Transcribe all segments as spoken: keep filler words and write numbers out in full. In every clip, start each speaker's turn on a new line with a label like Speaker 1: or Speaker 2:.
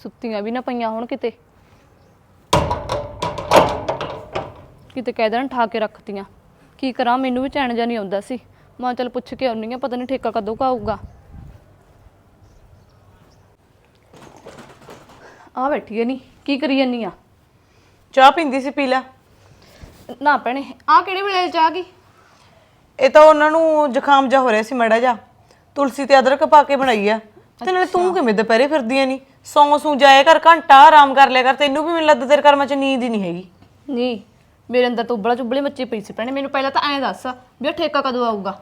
Speaker 1: ਸੁੱਤੀਆਂ ਵੀ ਨਾ ਪਈਆਂ ਹੁਣ ਕਿਤੇ ਕਿਤੇ ਕਹਿ ਦੇਣ ਠਾ ਕੇ ਰੱਖਤੀਆਂ। ਕੀ ਕਰਾਂ, ਮੈਨੂੰ ਵੀ ਚੈਨ ਜਿਹਾ ਨਹੀਂ ਆਉਂਦਾ ਸੀ। ਮੈਂ ਚੱਲ ਪੁੱਛ ਕੇ ਆਉਣੀ ਆ, ਪਤਾ ਨਹੀਂ ਠੇਕਾ ਕਦੋਂ ਕੁ ਆਊਗਾ। ਆ ਬੈਠੀ ਐ, ਨਹੀਂ ਕੀ ਕਰੀ ਜਾਨੀ ਆ?
Speaker 2: ਚਾਹ ਪੀਂਦੀ ਸੀ, ਪੀ ਲੈ।
Speaker 1: ਨਾ ਭੈਣੇ, ਆ ਕਿਹੜੇ ਵੇਲੇ ਚਾਹ ਗਈ?
Speaker 2: ਇਹ ਤਾਂ ਉਹਨਾਂ ਨੂੰ ਜ਼ੁਕਾਮ ਜਾ ਹੋ ਰਿਹਾ ਸੀ ਮੜਾ ਜਾ, ਤੁਲਸੀ ਤੇ ਅਦਰਕ ਪਾ ਕੇ ਬਣਾਈ ਆ। ਤੇ ਨਾਲੇ ਤੂੰ ਕਿਵੇਂ ਦੁਪਹਿਰੇ ਫਿਰਦੀਆਂ ਨਹੀਂ? ਸੌਂ ਸੂ ਜਾਇਆ ਕਰ, ਘੰਟਾ ਆਰਾਮ ਕਰ ਲਿਆ ਕਰ। ਤੈਨੂੰ ਵੀ ਮੈਨੂੰ ਲੱਗਦਾ ਤੇਰੇ ਕਰਮਾਂ 'ਚ ਨੀਂਦ ਹੀ ਨਹੀਂ ਹੈਗੀ।
Speaker 1: ਨਹੀਂ, ਮੇਰੇ ਅੰਦਰ ਤਾਂ ਉਬਲਾ ਚੁਬਲੀ ਮੱਚੀ ਪਈ ਸੀ ਭੈਣੇ। ਮੈਨੂੰ ਪਹਿਲਾਂ ਤਾਂ ਐਂ ਦੱਸ ਵੀ ਇਹ ਠੇਕਾ ਕਦੋਂ ਆਊਗਾ?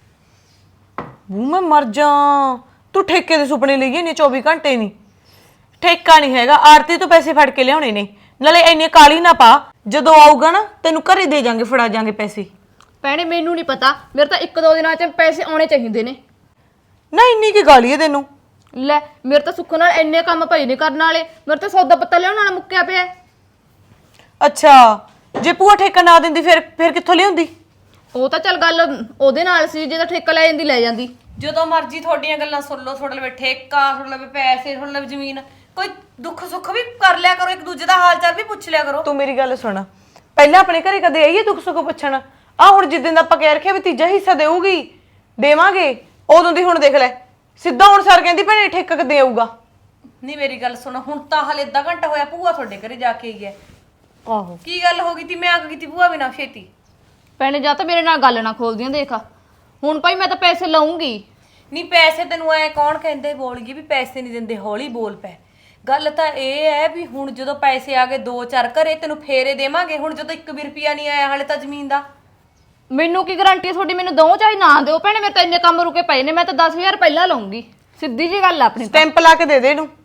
Speaker 2: ਬੂ ਮੈਂ ਮਰ ਜਾ, ਤੂੰ ਠੇਕੇ ਦੇ ਸੁਪਨੇ ਲਈ ਜਾਂਦੀ ਚੌਵੀ ਘੰਟੇ ਨਹੀਂ। ਠੇਕਾ ਨਹੀਂ ਹੈਗਾ, ਆਰਤੀ ਤੋਂ ਪੈਸੇ ਫੜ ਕੇ ਲਿਆਉਣੇ ਨੇ। ਨਾਲੇ ਇੰਨੀ ਕਾਲੀ ਨਾ ਪਾ, ਜਦੋਂ ਆਊਗਾ ਨਾ ਤੈਨੂੰ ਘਰੇ ਦੇ ਜਾਾਂਗੇ, ਫੜਾ ਜਾਾਂਗੇ ਪੈਸੇ।
Speaker 1: ਭੈਣੇ ਮੈਨੂੰ ਨਹੀਂ ਪਤਾ, ਮੇਰੇ ਤਾਂ ਇੱਕ ਦੋ ਦਿਨਾਂ 'ਚ ਪੈਸੇ ਆਉਣੇ ਚਾਹੀਦੇ ਨੇ।
Speaker 2: ਨਾ ਇੰਨੀ ਕੀ ਗਾਲੀ ਹੈ ਤੈਨੂੰ?
Speaker 1: ਲੈ, ਮੇਰੇ ਤਾਂ ਸੁੱਖ ਨਾਲ ਇੰਨੇ ਕੰਮ ਪਏ ਨੇ ਕਰਨ ਵਾਲੇ। ਮੇਰੇ ਤਾਂ ਸੌਦਾ ਪੱਤਾ ਲਿਆਉਣ ਵਾਲਾ ਮੁੱਕਿਆ ਪਿਆ।
Speaker 2: ਅੱਛਾ, ਜੇ ਭੂਆ ਠੇਕਾ ਨਾ ਦਿੰਦੀ ਫਿਰ ਫਿਰ ਕਿੱਥੋਂ ਲਿਆਉਂਦੀ?
Speaker 1: ਉਹ ਤਾਂ ਚੱਲ ਗੱਲ ਉਹਦੇ ਨਾਲ ਸੀ, ਜੇ ਤਾਂ ਠੇਕਾ ਲੈ ਜਾਂਦੀ ਲੈ ਜਾਂਦੀ।
Speaker 3: ਜਦੋਂ ਮਰਜ਼ੀ ਤੁਹਾਡੀਆਂ ਗੱਲਾਂ ਸੁਣ ਲਓ, ਤੁਹਾਡੇ ਲਵੇ ਠੇਕਾ, ਤੁਹਾਡੇ ਲਵੇ ਪੈਸੇ, ਤੁਹਾਡੇ ਲਵੇ ਜ਼ਮੀਨ। ਕੋਈ ਦੁੱਖ ਸੁੱਖ ਵੀ ਕਰ ਲਿਆ ਕਰੋ, ਇੱਕ ਦੂਜੇ ਦਾ ਹਾਲ ਚਾਲ ਵੀ ਪੁੱਛ ਲਿਆ ਕਰੋ।
Speaker 2: ਤੂੰ ਮੇਰੀ ਗੱਲ ਸੁਣ, ਪਹਿਲਾਂ ਆਪਣੇ ਘਰੇ ਕਦੇ ਆਈਏ ਦੁੱਖ ਸੁੱਖ ਪੁੱਛਣ? ਆ ਹੁਣ ਜਿੱਦਣ ਦਾ ਆਪਾਂ ਕਹਿ ਰੱਖਿਆ ਵੀ ਤੀਜਾ ਹਿੱਸਾ ਦੇਊਗੀ, ਦੇਵਾਂਗੇ, ਉਦੋਂ ਦੀ ਹੁਣ ਦੇਖ ਲੈ ਸਿੱਧਾ ਹੁਣ ਸਰ ਕਹਿੰਦੀ ਭੈਣੇ ਠੇਕਾ ਕਦੇ ਆਊਗਾ।
Speaker 3: ਨਹੀਂ ਮੇਰੀ ਗੱਲ ਸੁਣ, ਹੁਣ ਤਾਂ ਹਲੇ ਅੱਧਾ ਘੰਟਾ ਹੋਇਆ ਭੂਆ ਤੁਹਾਡੇ ਘਰੇ ਜਾ ਕੇ ਆਈ ਹੈ।
Speaker 2: ਆਹੋ,
Speaker 3: ਕੀ ਗੱਲ ਹੋ ਗਈ ਤੀ? ਮੈਂ ਆ ਗਈ ਤੀ ਭੂਆ ਬਿਨਾਂ ਛੇਤੀ।
Speaker 1: ਭੈਣੇ ਜਾਂ ਤਾਂ ਮੇਰੇ ਨਾਲ ਗੱਲ ਨਾ ਖੋਲਦੀਆਂ, ਦੇਖ ਹੁਣ ਭਾਈ ਮੈਂ ਤਾਂ ਪੈਸੇ ਲਊਂਗੀ।
Speaker 3: ਨਹੀਂ ਪੈਸੇ ਤੈਨੂੰ ਐ ਕੌਣ ਕਹਿੰਦੇ ਬੋਲ ਗਈ ਵੀ ਪੈਸੇ ਨਹੀਂ ਦਿੰਦੇ? ਹੌਲੀ ਬੋਲ ਪੈ। ਗੱਲ ਤਾਂ ਇਹ ਹੈ ਵੀ ਹੁਣ ਜਦੋਂ ਪੈਸੇ ਆ ਗਏ ਦੋ ਚਾਰ ਘਰੇ, ਤੈਨੂੰ ਫੇਰੇ ਦੇਵਾਂਗੇ। ਹੁਣ ਜਦੋਂ ਇੱਕ ਵੀ ਰੁਪਿਆ ਨਹੀਂ ਆਇਆ ਹਾਲੇ ਤਾਂ ਜ਼ਮੀਨ ਦਾ।
Speaker 1: ਮੈਨੂੰ ਕੀ ਗਾਰੰਟੀ ਤੁਹਾਡੀ? ਮੈਨੂੰ ਦੋ ਚਾਹੀ ਨਾ ਦਿਓ ਭੈਣੇ, ਮੇਰੇ ਤਾਂ ਇੰਨੇ ਕੰਮ ਰੁਕੇ ਪਏ ਨੇ। ਮੈਂ ਤਾਂ ਦਸ ਹਜ਼ਾਰ ਪਹਿਲਾਂ ਲਊਂਗੀ, ਸਿੱਧੀ ਜੀ ਗੱਲ ਆਪਣੀ।
Speaker 2: ਸਟੈਂਪ ਲਾ ਕੇ ਦੇ ਦੇ ਇਹਨੂੰ।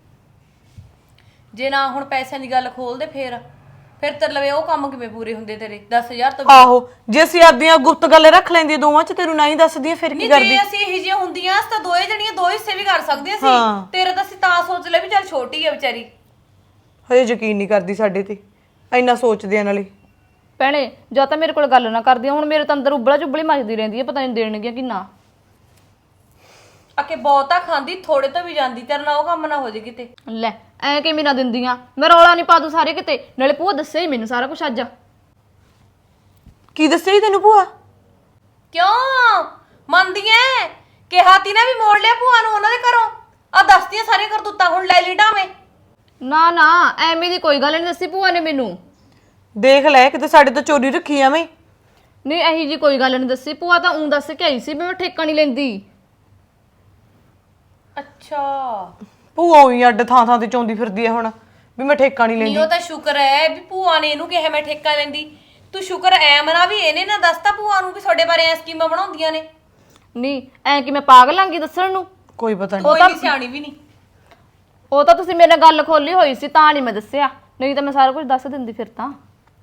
Speaker 3: ਜੇ ਨਾ ਹੁਣ ਪੈਸਿਆਂ ਦੀ ਗੱਲ ਖੋਲਦੇ ਫੇਰ ਫਿਰ ਤੇ ਲਵੇ ਉਹ ਕੰਮ ਕਿਵੇਂ ਪੂਰੇ ਹੁੰਦੇ ਤੇਰੇ? ਦਸ ਹਜ਼ਾਰ ਤੋਂ
Speaker 2: ਆਹੋ, ਜੇ ਅਸੀਂ ਆਪਦੀਆਂ ਗੁਪਤ ਗੱਲ ਰੱਖ ਲੈਂਦੀ ਦੋਵਾਂ 'ਚ, ਤੈਨੂੰ ਨਹੀਂ ਦੱਸਦੀਆਂ ਫਿਰ ਕੀ ਕਰਦੀ?
Speaker 3: ਜੇ ਅਸੀਂ ਇਹੋ ਜਿਹੀਆਂ ਹੁੰਦੀਆਂ ਤਾਂ ਦੋਏ ਜਣੀਆਂ ਦੋ ਹਿੱਸੇ ਵੀ ਕਰ ਸਕਦੀਆਂ ਸੀ। ਤੇਰੇ ਤਾਂ ਅਸੀਂ ਤਾਂ ਸੋਚ ਲਿਆ ਵੀ ਚੱਲ ਛੋਟੀ ਹੈ ਵਿਚਾਰੀ।
Speaker 2: ਹਜੇ ਯਕੀਨ ਨਹੀਂ ਕਰਦੀ ਸਾਡੇ ਤੇ, ਇੰਨਾ ਸੋਚਦੇ ਆ ਨਾਲੇ।
Speaker 1: ਭੈਣੇ ਜਾਂ ਤਾਂ ਮੇਰੇ ਕੋਲ ਗੱਲ ਨਾ ਕਰਦੀਆਂ, ਹੁਣ ਮੇਰੇ ਤਾਂ ਅੰਦਰ ਉਬਲਾ ਚੁਬਲੀ ਮੱਚਦੀ ਰਹਿੰਦੀ ਹੈ, ਪਤਾ ਨਹੀਂ ਦੇਣਗੀਆਂ ਕਿ ਨਾ।
Speaker 3: ਅਕੇ ਬਹੁਤਾ ਖਾਂਦੀ ਥੋੜੇ ਤੋਂ ਵੀ ਜਾਂਦੀ, ਤੇਰੇ ਨਾਲ ਉਹ ਕੰਮ ਨਾ ਹੋ ਜੇ ਕਿਤੇ।
Speaker 1: ਲੈ ਐ ਕਿਵੇਂ ਨਾ ਦਿੰਦੀਆਂ? ਮੈਂ ਰੌਲਾ ਨਹੀਂ ਪਾ ਦੂੰ ਸਾਰੇ ਕਿਤੇ। ਨਾਲੇ ਭੂਆ ਦੱਸਿਆ ਹੀ ਮੈਨੂੰ ਸਾਰਾ ਕੁਝ ਅੱਜ।
Speaker 2: ਕੀ ਦੱਸਿਆ ਜੀ ਤੈਨੂੰ ਭੂਆ?
Speaker 3: ਕਿਉਂ ਮੰਨਦੀ ਐ? ਕਿਹਾ ਤੀ ਨਾ ਵੀ ਮੋੜ ਲਿਆ ਭੂਆ ਨੂੰ ਉਹਨਾਂ ਦੇ ਘਰੋਂ। ਆ ਦੱਸਦੀਆਂ ਸਾਰੀਆਂ ਕਰਤੂਤਾਂ ਹੁਣ ਲੈ ਲਈ ਢਾਵੇਂ।
Speaker 1: ਨਾ ਨਾ, ਐਵੇਂ ਦੀ ਕੋਈ ਗੱਲ ਨਹੀਂ ਦੱਸੀ ਭੂਆ ਨੇ ਮੈਨੂੰ।
Speaker 2: ਦੇਖ ਲੈ ਕਿਤੇ ਸਾਡੇ ਤੋਂ ਚੋਰੀ ਰੱਖੀ ਐਵੇਂ।
Speaker 1: ਨਹੀਂ ਇਹੀ ਜੀ ਕੋਈ ਗੱਲ ਨਹੀਂ ਦੱਸੀ। ਭੂਆ ਤਾਂ ਉਂ ਦੱਸ ਕੇ ਆਈ ਸੀ ਵੀ ਮੈਂ ਠੇਕਾ ਨਹੀਂ ਲੈਂਦੀ।
Speaker 3: ਅੱਛਾ,
Speaker 2: ਭੂਆ ਉਹੀ ਅੱਡ ਥਾਂ ਥਾਂ ਤੇ ਚੌਂਦੀ ਫਿਰਦੀ ਐ ਹੁਣ ਵੀ ਮੈਂ ਠੇਕਾ ਨਹੀਂ ਲੈਂਦੀ।
Speaker 3: ਨਹੀਂ ਉਹ ਤਾਂ ਸ਼ੁਕਰ ਹੈ ਵੀ ਭੂਆ ਨੇ ਇਹਨੂੰ ਕਿਹਾ ਮੈਂ ਠੇਕਾ ਲੈਂਦੀ। ਤੂੰ ਸ਼ੁਕਰ ਐ ਮਨਾ ਵੀ ਇਹਨੇ ਨਾ ਦੱਸਤਾ ਭੂਆ ਨੂੰ ਵੀ ਤੁਹਾਡੇ ਬਾਰੇ ਐ ਸਕੀਮਾਂ ਬਣਾਉਂਦੀਆਂ ਨੇ।
Speaker 1: ਨਹੀਂ ਐ ਕਿ ਮੈਂ ਪਾਗਲ ਆਂਗੀ ਦੱਸਣ ਨੂੰ?
Speaker 2: ਕੋਈ ਪਤਾ ਨਹੀਂ,
Speaker 3: ਕੋਈ ਨਹੀਂ ਸਿਆਣੀ ਵੀ ਨਹੀਂ।
Speaker 1: ਉਹ ਤਾਂ ਤੁਸੀਂ ਮੇਰੇ ਨਾਲ ਗੱਲ ਖੋਲੀ ਹੋਈ ਸੀ ਤਾਂ ਨਹੀਂ ਮੈਂ ਦੱਸਿਆ, ਨਹੀਂ ਤਾਂ ਮੈਂ ਸਾਰਾ ਕੁਝ ਦੱਸ ਦਿੰਦੀ ਫਿਰ ਤਾਂ।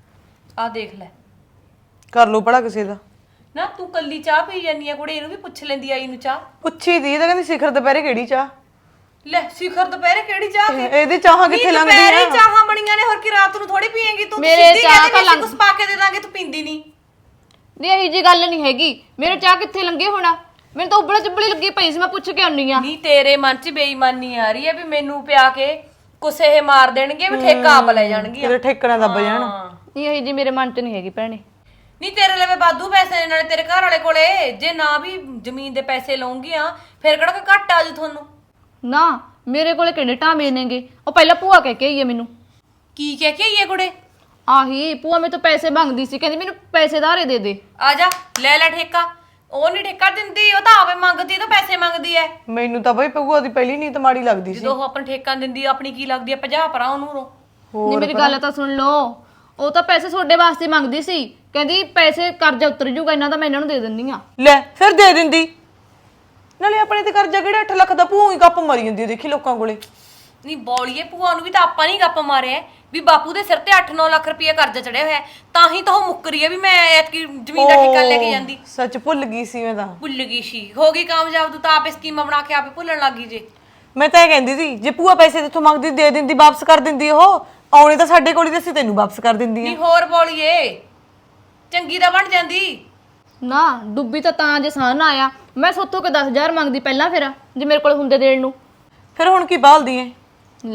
Speaker 3: ਆ ਦੇਖ ਲੈ,
Speaker 2: ਕਰ ਲੋ ਭਲਾ ਕਿਸੇ ਦਾ।
Speaker 3: ਨਾ ਤੂੰ ਕੱਲੀ ਚਾਹ ਪੀ ਜਾਨੀ ਆ ਕੁੜੇ, ਇਹਨੂੰ ਵੀ ਪੁੱਛ ਲੈਂਦੀ ਆਈ ਨੂੰ ਚਾਹ।
Speaker 2: ਪੁੱਛੀ ਦੀ ਤਾਂ ਕਹਿੰਦੀ ਸਿਖਰ ਦੁਪਹਿਰੇ ਕਿਹੜੀ ਚਾਹ?
Speaker 3: ਲੈ ਸਿਖਰ ਦੁਪਹਿਰੇ ਕਿਹੜੀ ਚਾਹ?
Speaker 2: ਇਹਦੇ ਚਾਹਾਂ ਕਿੱਥੇ ਲੰਘਦੀ ਆ?
Speaker 3: ਦੁਪਹਿਰੇ ਚਾਹਾਂ ਬਣੀਆਂ ਨੇ, ਹੋਰ ਕੀ ਰਾਤ ਨੂੰ ਥੋੜੀ ਪੀਏਂਗੀ ਤੂੰ?
Speaker 1: ਮੇਰੇ
Speaker 3: ਸਿੱਧੀ
Speaker 1: ਚਾਹ
Speaker 3: ਕਹਿੰਦੀ
Speaker 1: ਤਾਂ
Speaker 3: ਵੀ
Speaker 1: ਲੰਘ-
Speaker 3: ਕੁਛ ਪਾ ਕੇ ਦੇ ਦਾਂਗੇ, ਤੂੰ ਪੀਂਦੀ ਨਹੀਂ।
Speaker 1: ਨਹੀਂ ਇਹੀ ਜੀ ਗੱਲ ਨਹੀਂ ਹੈਗੀ, ਮੇਰੇ ਚਾਹ ਕਿੱਥੇ ਲੰਗੇ ਹੋਣਾ? ਮੈਨੂੰ ਤਾਂ ਉਬਲਾ ਚੁਬਲੀ ਲੱਗੀ ਪਈ ਸੀ, ਮੈਂ ਪੁੱਛ ਕੇ ਆਉਣੀ ਆ।
Speaker 3: ਨਹੀਂ ਤੇਰੇ ਮਨ 'ਚ ਬੇਈਮਾਨੀ ਆ ਰਹੀ ਹੈ ਵੀ ਮੈਨੂੰ ਪਿਆ ਕੇ ਕੁਛ ਇਹ ਮਾਰ ਦੇਣਗੇ, ਵੀ ਠੇਕਾ ਆਪ ਲੈ ਜਾਣਗੀਆਂ।
Speaker 2: ਤੇਰੇ ਠੇਕਣਾ ਦੱਬ ਜਾਣ।
Speaker 1: ਨਹੀਂ ਇਹੀ ਜੀ ਮੇਰੇ ਮਨ 'ਚ ਨਹੀਂ ਹੈਗੀ ਭੈਣੇ।
Speaker 3: ਨਹੀਂ ਤੇਰੇ ਲਵੇ ਵਾਧੂ ਪੈਸੇ ਨੇ, ਨਾਲੇ ਤੇਰੇ ਘਰ ਵਾਲੇ ਕੋਲੇ। ਜੇ ਨਾ ਵੀ ਜ਼ਮੀਨ ਦੇ ਪੈਸੇ ਲਊਂਗੀਆਂ ਫਿਰ ਕਿਹੜਾ ਕੋਈ ਘੱਟ ਆ ਜੂ ਤੁਹਾਨੂੰ?
Speaker 1: ਨਾ ਮੇਰੇ ਕੋਲੇ ਕਿਹੜੇ ਟਾਵੇਂ ਨੇਗੇ? ਉਹ ਪਹਿਲਾਂ ਭੂਆ ਕਹਿ ਕੇ ਆਈ ਹੈ ਮੈਨੂੰ।
Speaker 3: ਕੀ ਕਹਿ ਕੇ ਆਈਏ ਕੁੜੇ?
Speaker 1: ਆਹੀ ਭੂਆ ਮੇਰੇ ਤੋਂ ਪੈਸੇ ਮੰਗਦੀ ਸੀ, ਕਹਿੰਦੀ ਮੈਨੂੰ ਪੈਸੇ ਧਾਰੇ ਦੇ ਦੇ।
Speaker 3: ਆ ਜਾ ਲੈ ਲੈ ਠੇਕਾ। ਉਹ ਨਹੀਂ ਠੇਕਾ ਦਿੰਦੀ, ਉਹ ਤਾਂ ਆਵੇ ਮੰਗਦੀ, ਤਾਂ ਪੈਸੇ ਮੰਗਦੀ ਐ।
Speaker 2: ਮੈਨੂੰ ਤਾਂ ਬਈ ਭੂਆ ਦੀ ਪਹਿਲੀ ਨੀਤ ਮਾੜੀ ਲੱਗਦੀ ਸੀ।
Speaker 3: ਜਦੋਂ ਉਹ ਆਪਣਾ ਠੇਕਾ ਦਿੰਦੀ ਆਪਣੀ ਕੀ ਲੱਗਦੀ ਐ? ਪੰਜਾਹ ਪਰਾਂ ਉਹਨੂੰ।
Speaker 1: ਨਹੀਂ ਮੇਰੀ ਗੱਲ ਤਾਂ ਸੁਣ ਲਓ, ਉਹ ਤਾਂ ਪੈਸੇ ਤੁਹਾਡੇ ਵਾਸਤੇ ਮੰਗਦੀ ਸੀ, ਕਹਿੰਦੀ ਪੈਸੇ ਕਰਜ਼ਾ ਉਤਰ ਜੂਗਾ ਇਹਨਾਂ ਦਾ, ਮੈਂ ਇਹਨਾਂ ਨੂੰ ਦੇ ਦਿੰਦੀ ਆ।
Speaker 2: ਲੈ ਫਿਰ ਦੇ ਦਿੰਦੀ। ਨਾਲੇ ਆਪਣੇ ਤੇ ਕਰਜ਼ਾ ਕਿਹੜਾ ਅੱਠ ਲੱਖ ਦਾ? ਭੂਆ ਹੀ ਗੱਪ ਮਾਰੀ ਜਾਂਦੀ ਦੇਖੀ ਲੋਕਾਂ ਕੋਲੇ।
Speaker 3: ਨਹੀਂ ਬੋਲੀਏ, ਭੂਆ ਨੂੰ ਵੀ ਤਾਂ ਆਪਾਂ ਨਹੀਂ ਗੱਪ ਮਾਰਿਆ ਵੀ ਬਾਪੂ ਦੇ ਸਿਰ ਤੇ ਅੱਠ ਨੌ ਲੱਖ ਰੁਪਏ ਕਰਜ਼ਾ ਚੜਿਆ ਹੋਇਆ, ਤਾਂ ਹੀ ਤਾਂ ਉਹ ਮੁੱਕਰੀ ਹੈ ਵੀ ਮੈਂ ਐਤਕੀ ਜ਼ਮੀਨ ਦਾ ਠੇਕਾ ਲੈ ਕੇ ਜਾਂਦੀ।
Speaker 2: ਸੱਚ ਭੁੱਲ ਗਈ ਸੀ ਮੈਂ ਤਾਂ।
Speaker 3: ਭੁੱਲ ਗਈ ਸੀ, ਹੋ ਗਈ ਕਾਮਯਾਬ। ਤੂੰ ਤਾਂ ਆਪੇ ਸਕੀਮਾਂ ਬਣਾ ਕੇ ਆਪੇ ਭੁੱਲਣ ਲੱਗੀ ਜੇ।
Speaker 2: ਮੈਂ ਤਾਂ ਇਹ ਕਹਿੰਦੀ ਸੀ ਜੇ ਭੂਆ ਪੈਸੇ ਤੇਥੋਂ ਮੰਗਦੀ ਦੇ ਦਿੰਦੀ, ਵਾਪਸ ਕਰ ਦਿੰਦੀ। ਉਹ ਆਉਣੇ ਤਾਂ ਸਾਡੇ ਕੋਲ ਹੀ ਤੇ ਅਸੀਂ ਤੈਨੂੰ ਵਾਪਸ ਕਰ ਦਿੰਦੀ ਆ।
Speaker 3: ਨਹੀਂ ਹੋਰ ਬੋਲੀਏ, ਚੰਗੀ ਤਾਂ ਬਣ ਜਾਂਦੀ।
Speaker 1: ਨਾ ਡੁੱਬੀ ਤਾਂ ਤਾਂ ਜੇ ਸਾਨ ਆਇਆ, ਮੈਂ ਸੋਥੋਂ ਕੇ ਦਸ ਹਜ਼ਾਰ ਮੰਗਦੀ ਪਹਿਲਾਂ, ਫਿਰ ਜੇ ਮੇਰੇ ਕੋਲ ਹੁੰਦੇ ਦੇਣ ਨੂੰ।
Speaker 2: ਫਿਰ ਹੁਣ ਕੀ ਬਾਲਦੀ ਐ?
Speaker 1: ਲੈ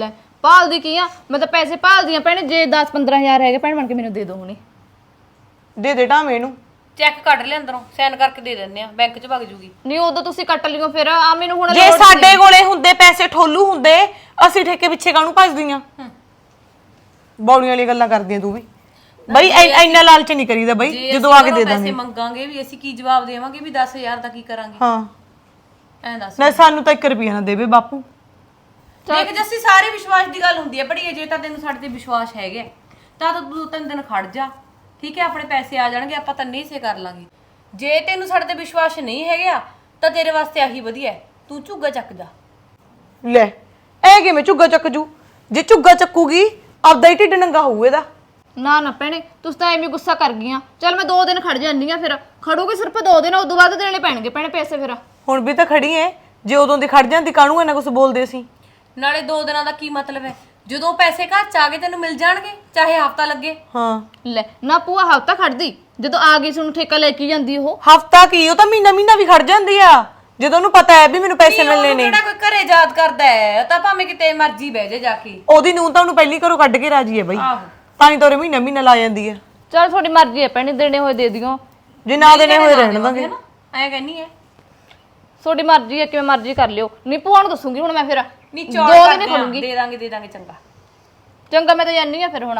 Speaker 1: ਭਾਲਦੀ ਕੀ ਆ ਮੈਂ ਤਾਂ ਪੈਸੇ ਭਾਲਦੀ ਆ ਭੈਣੇ ਜੇ ਦਸ ਪੰਦਰਾਂ ਹਜ਼ਾਰ ਹੈਗੇ ਭੈਣ ਬਣ ਕੇ ਮੈਨੂੰ ਦੇ ਦਿਓ ਹੁਣੀ
Speaker 2: ਦੇ ਦੇ ਢਾਵੇਂ ਨੂੰ
Speaker 3: ਚੈੱਕ ਕੱਢ ਲੈ ਅੰਦਰੋਂ ਸਾਈਨ ਕਰਕੇ ਦੇ ਦਿੰਦੇ ਆ ਬੈਂਕ 'ਚ ਵਗ ਜੂਗੀ
Speaker 1: ਨਹੀਂ ਉਦੋਂ ਤੁਸੀਂ ਕੱਟ ਲਿਓ ਫਿਰ ਆ ਮੈਨੂੰ ਹੁਣ
Speaker 2: ਜੇ ਸਾਡੇ ਕੋਲੇ ਹੁੰਦੇ ਪੈਸੇ ਠੋਲੂ ਹੁੰਦੇ ਅਸੀਂ ਠੇਕੇ ਪਿੱਛੇ ਕਾਹਨੂੰ ਭੱਜਦੀਆਂ ਬੌਲੀਆਂ ਵਾਲੀ ਗੱਲਾਂ ਕਰਦੀਆਂ ਤੂੰ ਵੀ ਬਈ ਐ- ਇੰਨਾ ਲਾਲਚ ਨਹੀਂ ਕਰੀਦਾ ਬਈ ਜਦੋਂ ਆ ਕੇ ਦੇ ਦਾਂਗੇ
Speaker 3: ਪੈਸੇ ਮੰਗਾਂਗੇ ਵੀ ਅਸੀਂ ਕੀ ਜਵਾਬ ਦੇਵਾਂਗੇ ਵੀ ਦਸ ਹਜ਼ਾਰ ਦਾ ਕੀ ਕਰਾਂਗੇ
Speaker 2: ਹਾਂ
Speaker 3: ਐਂ ਦੱਸ
Speaker 2: ਨਾ ਸਾਨੂੰ ਤਾਂ ਇੱਕ ਰੁਪਿਆ ਨਾ ਦੇਵੇ ਬਾਪੂ
Speaker 3: ਦੇਖ ਜੱਸੀ ਸਾਰੇ ਵਿਸ਼ਵਾਸ ਦੀ ਗੱਲ ਹੁੰਦੀ ਹੈ ਬੜੀ ਜੇ ਤਾਂ ਤੈਨੂੰ ਸਾਡੇ ਤੇ ਵਿਸ਼ਵਾਸ ਹੈਗਾ ਤਾਂ ਤਾਂ ਦੋ ਤਿੰਨ ਦਿਨ ਖੜ ਜਾ ਠੀਕ ਹੈ ਆਪਣੇ ਪੈਸੇ ਆ ਜਾਣਗੇ ਆਪਾਂ ਤਾਂ ਨਹੀਂ ਸੇ ਕਰ ਲਾਂਗੇ ਜੇ ਤੈਨੂੰ ਸਾਡੇ ਤੇ ਵਿਸ਼ਵਾਸ ਨਹੀਂ ਹੈਗਾ ਤਾਂ ਤੇਰੇ ਵਾਸਤੇ ਆਹੀ ਵਧੀਆ ਹੈ ਤੂੰ ਝੁੱਗਾ ਚੱਕ ਜਾ
Speaker 2: ਲੈ ਐ ਕਿਵੇਂ ਝੁੱਗਾ ਚੱਕ ਜੂ ਜੇ ਝੁੱਗਾ ਚੱਕੂਗੀ ਆਪਦਾ ਹੀ ਢਿੱਡ ਨੰਗਾ ਹੋਊ ਇਹਦਾ
Speaker 1: ਨਾ ਨਾ ਭੈਣੇ ਤੁਸੀਂ ਤਾਂ ਐਵੇਂ ਗੁੱਸਾ ਕਰ ਗਈਆਂ ਚੱਲ ਮੈਂ ਦੋ ਦਿਨ ਖੜ ਜਾਂਦੀ ਆ ਫਿਰ ਖੜੂਗੀ ਸਿਰਫ ਦੋ ਦਿਨ ਉਦੋਂ ਬਾਅਦ ਦੇਣੇ ਪੈਣਗੇ ਭੈਣੇ ਪੈਸੇ ਫਿਰ
Speaker 2: ਹੁਣ ਵੀ ਤਾਂ ਖੜੀ ਐ ਜੇ ਉਦੋਂ ਦੀ ਖੜ ਜਾਂਦੀ ਕਾਹਨੂੰ ਇਹਨਾਂ ਕੁਝ ਬੋਲਦੇ ਸੀ
Speaker 3: ਨਾਲੇ ਦੋ ਦਿਨਾਂ ਦਾ ਕੀ ਮਤਲਬ ਹੈ ਜਦੋਂ ਪੈਸੇ ਘਰ ਚ ਆ ਗਏ ਤੈਨੂੰ ਮਿਲ ਜਾਣਗੇ ਚਾਹੇ ਹਫਤਾ ਲੱਗੇ
Speaker 2: ਹਾਂ
Speaker 1: ਲੈ ਨਾ ਪੂਆ ਹਫਤਾ ਖੜਦੀ ਜਦੋਂ ਆ ਗਈ ਸੁਣ ਠੇਕਾ ਲੈ ਕੇ ਜਾਂਦੀ ਉਹ
Speaker 2: ਹਫਤਾ ਕੀ ਉਹ ਤਾਂ ਮਹੀਨਾ ਮਹੀਨਾ ਵੀ ਖੜ ਜਾਂਦੀ ਆ ਜਦੋਂ ਉਹਨੂੰ ਪਤਾ ਹੈ ਵੀ ਮੈਨੂੰ ਪੈਸੇ ਮਿਲਣੇ ਨੇ
Speaker 3: ਕਿਹੜਾ ਕੋਈ ਘਰੇ ਯਾਦ ਕਰਦਾ ਹੈ ਤਾਂ ਭਾਵੇਂ ਕਿਤੇ ਮਰਜ਼ੀ ਬਹਿ ਜਾ ਜਾ ਕੇ
Speaker 2: ਉਹਦੀ ਨੂੰ ਤਾਂ ਉਹਨੂੰ ਪਹਿਲੀ ਘਰੋਂ ਕੱਢ ਕੇ ਰਾਜੀ ਹੈ ਬਈ
Speaker 3: ਆਹੋ
Speaker 2: ਤਾਂ ਹੀ ਤੋਰੇ ਮਹੀਨਾ ਮਹੀਨਾ ਲਾ ਜਾਂਦੀ ਹੈ
Speaker 1: ਚਲ ਤੁਹਾਡੀ ਮਰਜ਼ੀ ਹੈ ਭੈਣੇ ਦੇਣੇ ਹੋਏ ਦੇ ਦਿਓ
Speaker 2: ਜੇ ਨਾ ਦੇਣੇ ਹੋਏ ਰਹਿਣ ਦਾਂਗੇ
Speaker 3: ਨਾ ਐ ਕਹਿੰਨੀ ਹੈ
Speaker 1: ਤੁਹਾਡੀ ਮਰਜ਼ੀ ਹੈ ਕਿਵੇਂ ਮਰਜ਼ੀ ਕਰ ਲਿਓ ਨਹੀਂ ਭੂਆ ਨੂੰ ਦੱਸੂਗੀ ਹੁਣ ਮੈਂ ਫਿਰ
Speaker 3: ਨੀ
Speaker 1: ਦੋ
Speaker 3: ਚੌੜ
Speaker 1: ਦਿਨ
Speaker 3: ਕਰਦੇ ਆ,
Speaker 1: ਖੜੂੰਗੀ
Speaker 3: ਦੇ ਦਾਂਗੇ ਦੇ ਦਾਂਗੇ ਚੰਗਾ
Speaker 1: ਚੰਗਾ ਮੈਂ ਤਾਂ ਜਾਣੀ ਆ ਫਿਰ ਹੁਣ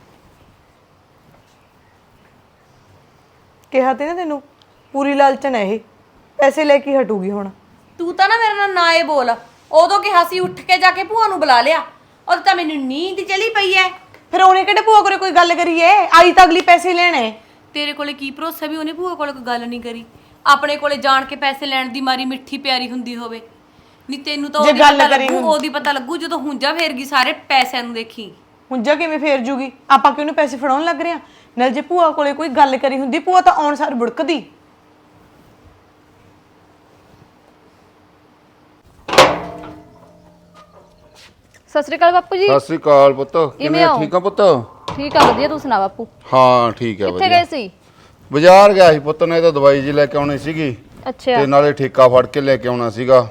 Speaker 2: ਕਿਹਾ ਤੇ ਨਾ ਤੈਨੂੰ ਪੂਰੀ ਲਾਲਚਨ ਹੈ ਇਹ ਪੈਸੇ ਲੈ ਕੇ ਹਟੂਗੀ ਹੁਣ
Speaker 3: ਤੂੰ ਤਾਂ ਨਾ ਮੇਰੇ ਨਾਲ ਨਾ ਇਹ ਬੋਲ ਉਦੋਂ ਕਿਹਾ ਸੀ ਉੱਠ ਕੇ ਜਾ ਕੇ ਭੂਆ ਨੂੰ ਬੁਲਾ ਲਿਆ ਉਦੋਂ ਤਾਂ ਮੈਨੂੰ ਨੀਂਦ ਚਲੀ ਪਈ ਐ
Speaker 2: ਫਿਰ ਉਹਨੇ ਕਿਹੜੇ ਭੂਆ ਕੋਲੇ ਕੋਈ ਗੱਲ ਕਰੀਏ ਆਈ ਤਾਂ ਅਗਲੀ ਪੈਸੇ ਲੈਣੇ
Speaker 3: ਤੇਰੇ ਕੋਲੇ ਕੀ ਭਰੋਸਾ ਵੀ ਉਹਨੇ ਭੂਆ ਕੋਲੇ ਕੋਈ ਗੱਲ ਨਹੀਂ ਕਰੀ ਆਪਣੇ ਕੋਲੇ ਜਾਣ ਕੇ ਪੈਸੇ ਲੈਣ ਦੀ ਮਾਰੀ ਮਿੱਠੀ ਪਿਆਰੀ ਹੁੰਦੀ ਹੋਵੇ ਨਹੀਂ ਤੈਨੂੰ ਤਾਂ ਉਹਦੀ ਪਤਾ ਲੱਗੂ ਉਹਦੀ ਪਤਾ ਲੱਗੂ ਜਦੋਂ ਹੁੰਜਾ ਫੇਰ ਗਈ ਸਾਰੇ ਪੈਸਿਆਂ ਨੂੰ ਦੇਖੀ
Speaker 2: ਹੁੰਜਾ ਕਿਵੇਂ ਫੇਰ ਜੂਗੀ ਆਪਾਂ ਕਿਉਂ ਪੈਸੇ ਫੜਾਉਣ ਲੱਗ ਰਹੇ ਆ ਨਾਲ ਜੇ ਭੂਆ ਕੋਲੇ ਕੋਈ ਗੱਲ ਕਰੀ ਹੁੰਦੀ ਭੂਆ ਤਾਂ ਆਉਣ ਸਾਰ ਬੁੜਕਦੀ
Speaker 1: ਸਤਿ ਸ੍ਰੀ ਅਕਾਲ ਬਾਪੂ ਜੀ
Speaker 4: ਸਤਿ ਸ੍ਰੀ ਅਕਾਲ ਪੁੱਤ ਕਿਵੇਂ ਠੀਕ ਆ ਪੁੱਤ
Speaker 1: ਠੀਕ ਆ ਵਧੀਆ ਤੂੰ ਸੁਣਾ ਬਾਪੂ
Speaker 4: ਹਾਂ ਠੀਕ ਆ
Speaker 1: ਕਿੱਥੇ
Speaker 4: ਵਧੀਆ
Speaker 1: ਗਏ ਸੀ
Speaker 4: ਬਾਜ਼ਾਰ ਗਿਆ ਸੀ ਪੁੱਤ ਨੇ ਤਾਂ ਦਵਾਈ ਜੀ ਲੈ ਕੇ ਆਉਣੀ ਸੀਗੀ
Speaker 1: ਅੱਛਾ
Speaker 4: ਤੇ ਨਾਲੇ ਠੇਕਾ ਫੜ ਕੇ ਲੈ ਕੇ ਆਉਣਾ ਸੀਗਾ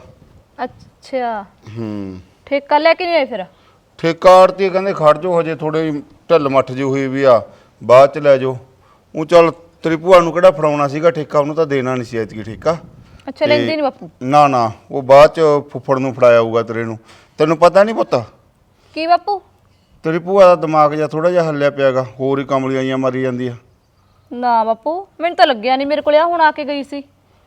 Speaker 1: ਅੱਛਾ
Speaker 4: ਹੂੰ
Speaker 1: ਠੇਕਾ ਲੈ ਕੇ ਨਹੀਂ ਆਏ ਫਿਰ
Speaker 4: ਠੇਕਾ ਆੜਤੀ ਕਹਿੰਦੇ ਖੜ ਜਾਓ ਹਜੇ ਥੋੜੇ ਢਿੱਲ ਮੱਠ ਜੀ ਹੋਈ ਵੀ ਆ ਬਾਅਦ ਚ ਲੈ ਜਾਓ ਉਹ ਚੱਲ ਤੇਰੀ ਭੂਆ ਨੂੰ ਕਿਹੜਾ ਫੜਾਉਣਾ ਸੀਗਾ ਠੇਕਾ ਉਹਨੂੰ ਤਾਂ ਦੇਣਾ ਨਹੀਂ ਸੀ ਐਤਕੀ ਠੇਕਾ
Speaker 1: ਅੱਛਾ ਲੈਂਦੇ ਨਹੀਂ ਬਾਪੂ
Speaker 4: ਨਾ ਨਾ ਉਹ ਬਾਅਦ ਚ ਫੁੱਫੜ ਨੂੰ ਫੜਾਇਆ ਹੋਊਗਾ ਤੇਰੇ ਨੂੰ ਤੈਨੂੰ ਪਤਾ ਨਹੀਂ ਪੁੱਤ
Speaker 1: ਕੀ ਬਾਪੂ
Speaker 4: ਤੇਰੀ ਭੂਆ ਦਾ ਦਿਮਾਗ ਜਿਹਾ ਥੋੜਾ ਜਿਹਾ ਹੱਲਿਆ ਪਿਆਗਾ ਹੋਰ ਹੀ ਕਮਲੀਆਂ ਜਿਹੀਆਂ ਮਾਰੀ ਜਾਂਦੀ ਆ
Speaker 1: ਨਾ ਬਾਪੂ ਮੈਨੂੰ ਤਾਂ ਲੱਗਿਆ ਨਹੀਂ ਮੇਰੇ ਕੋਲ ਆ ਹੁਣ ਆ ਕੇ ਗਈ ਸੀ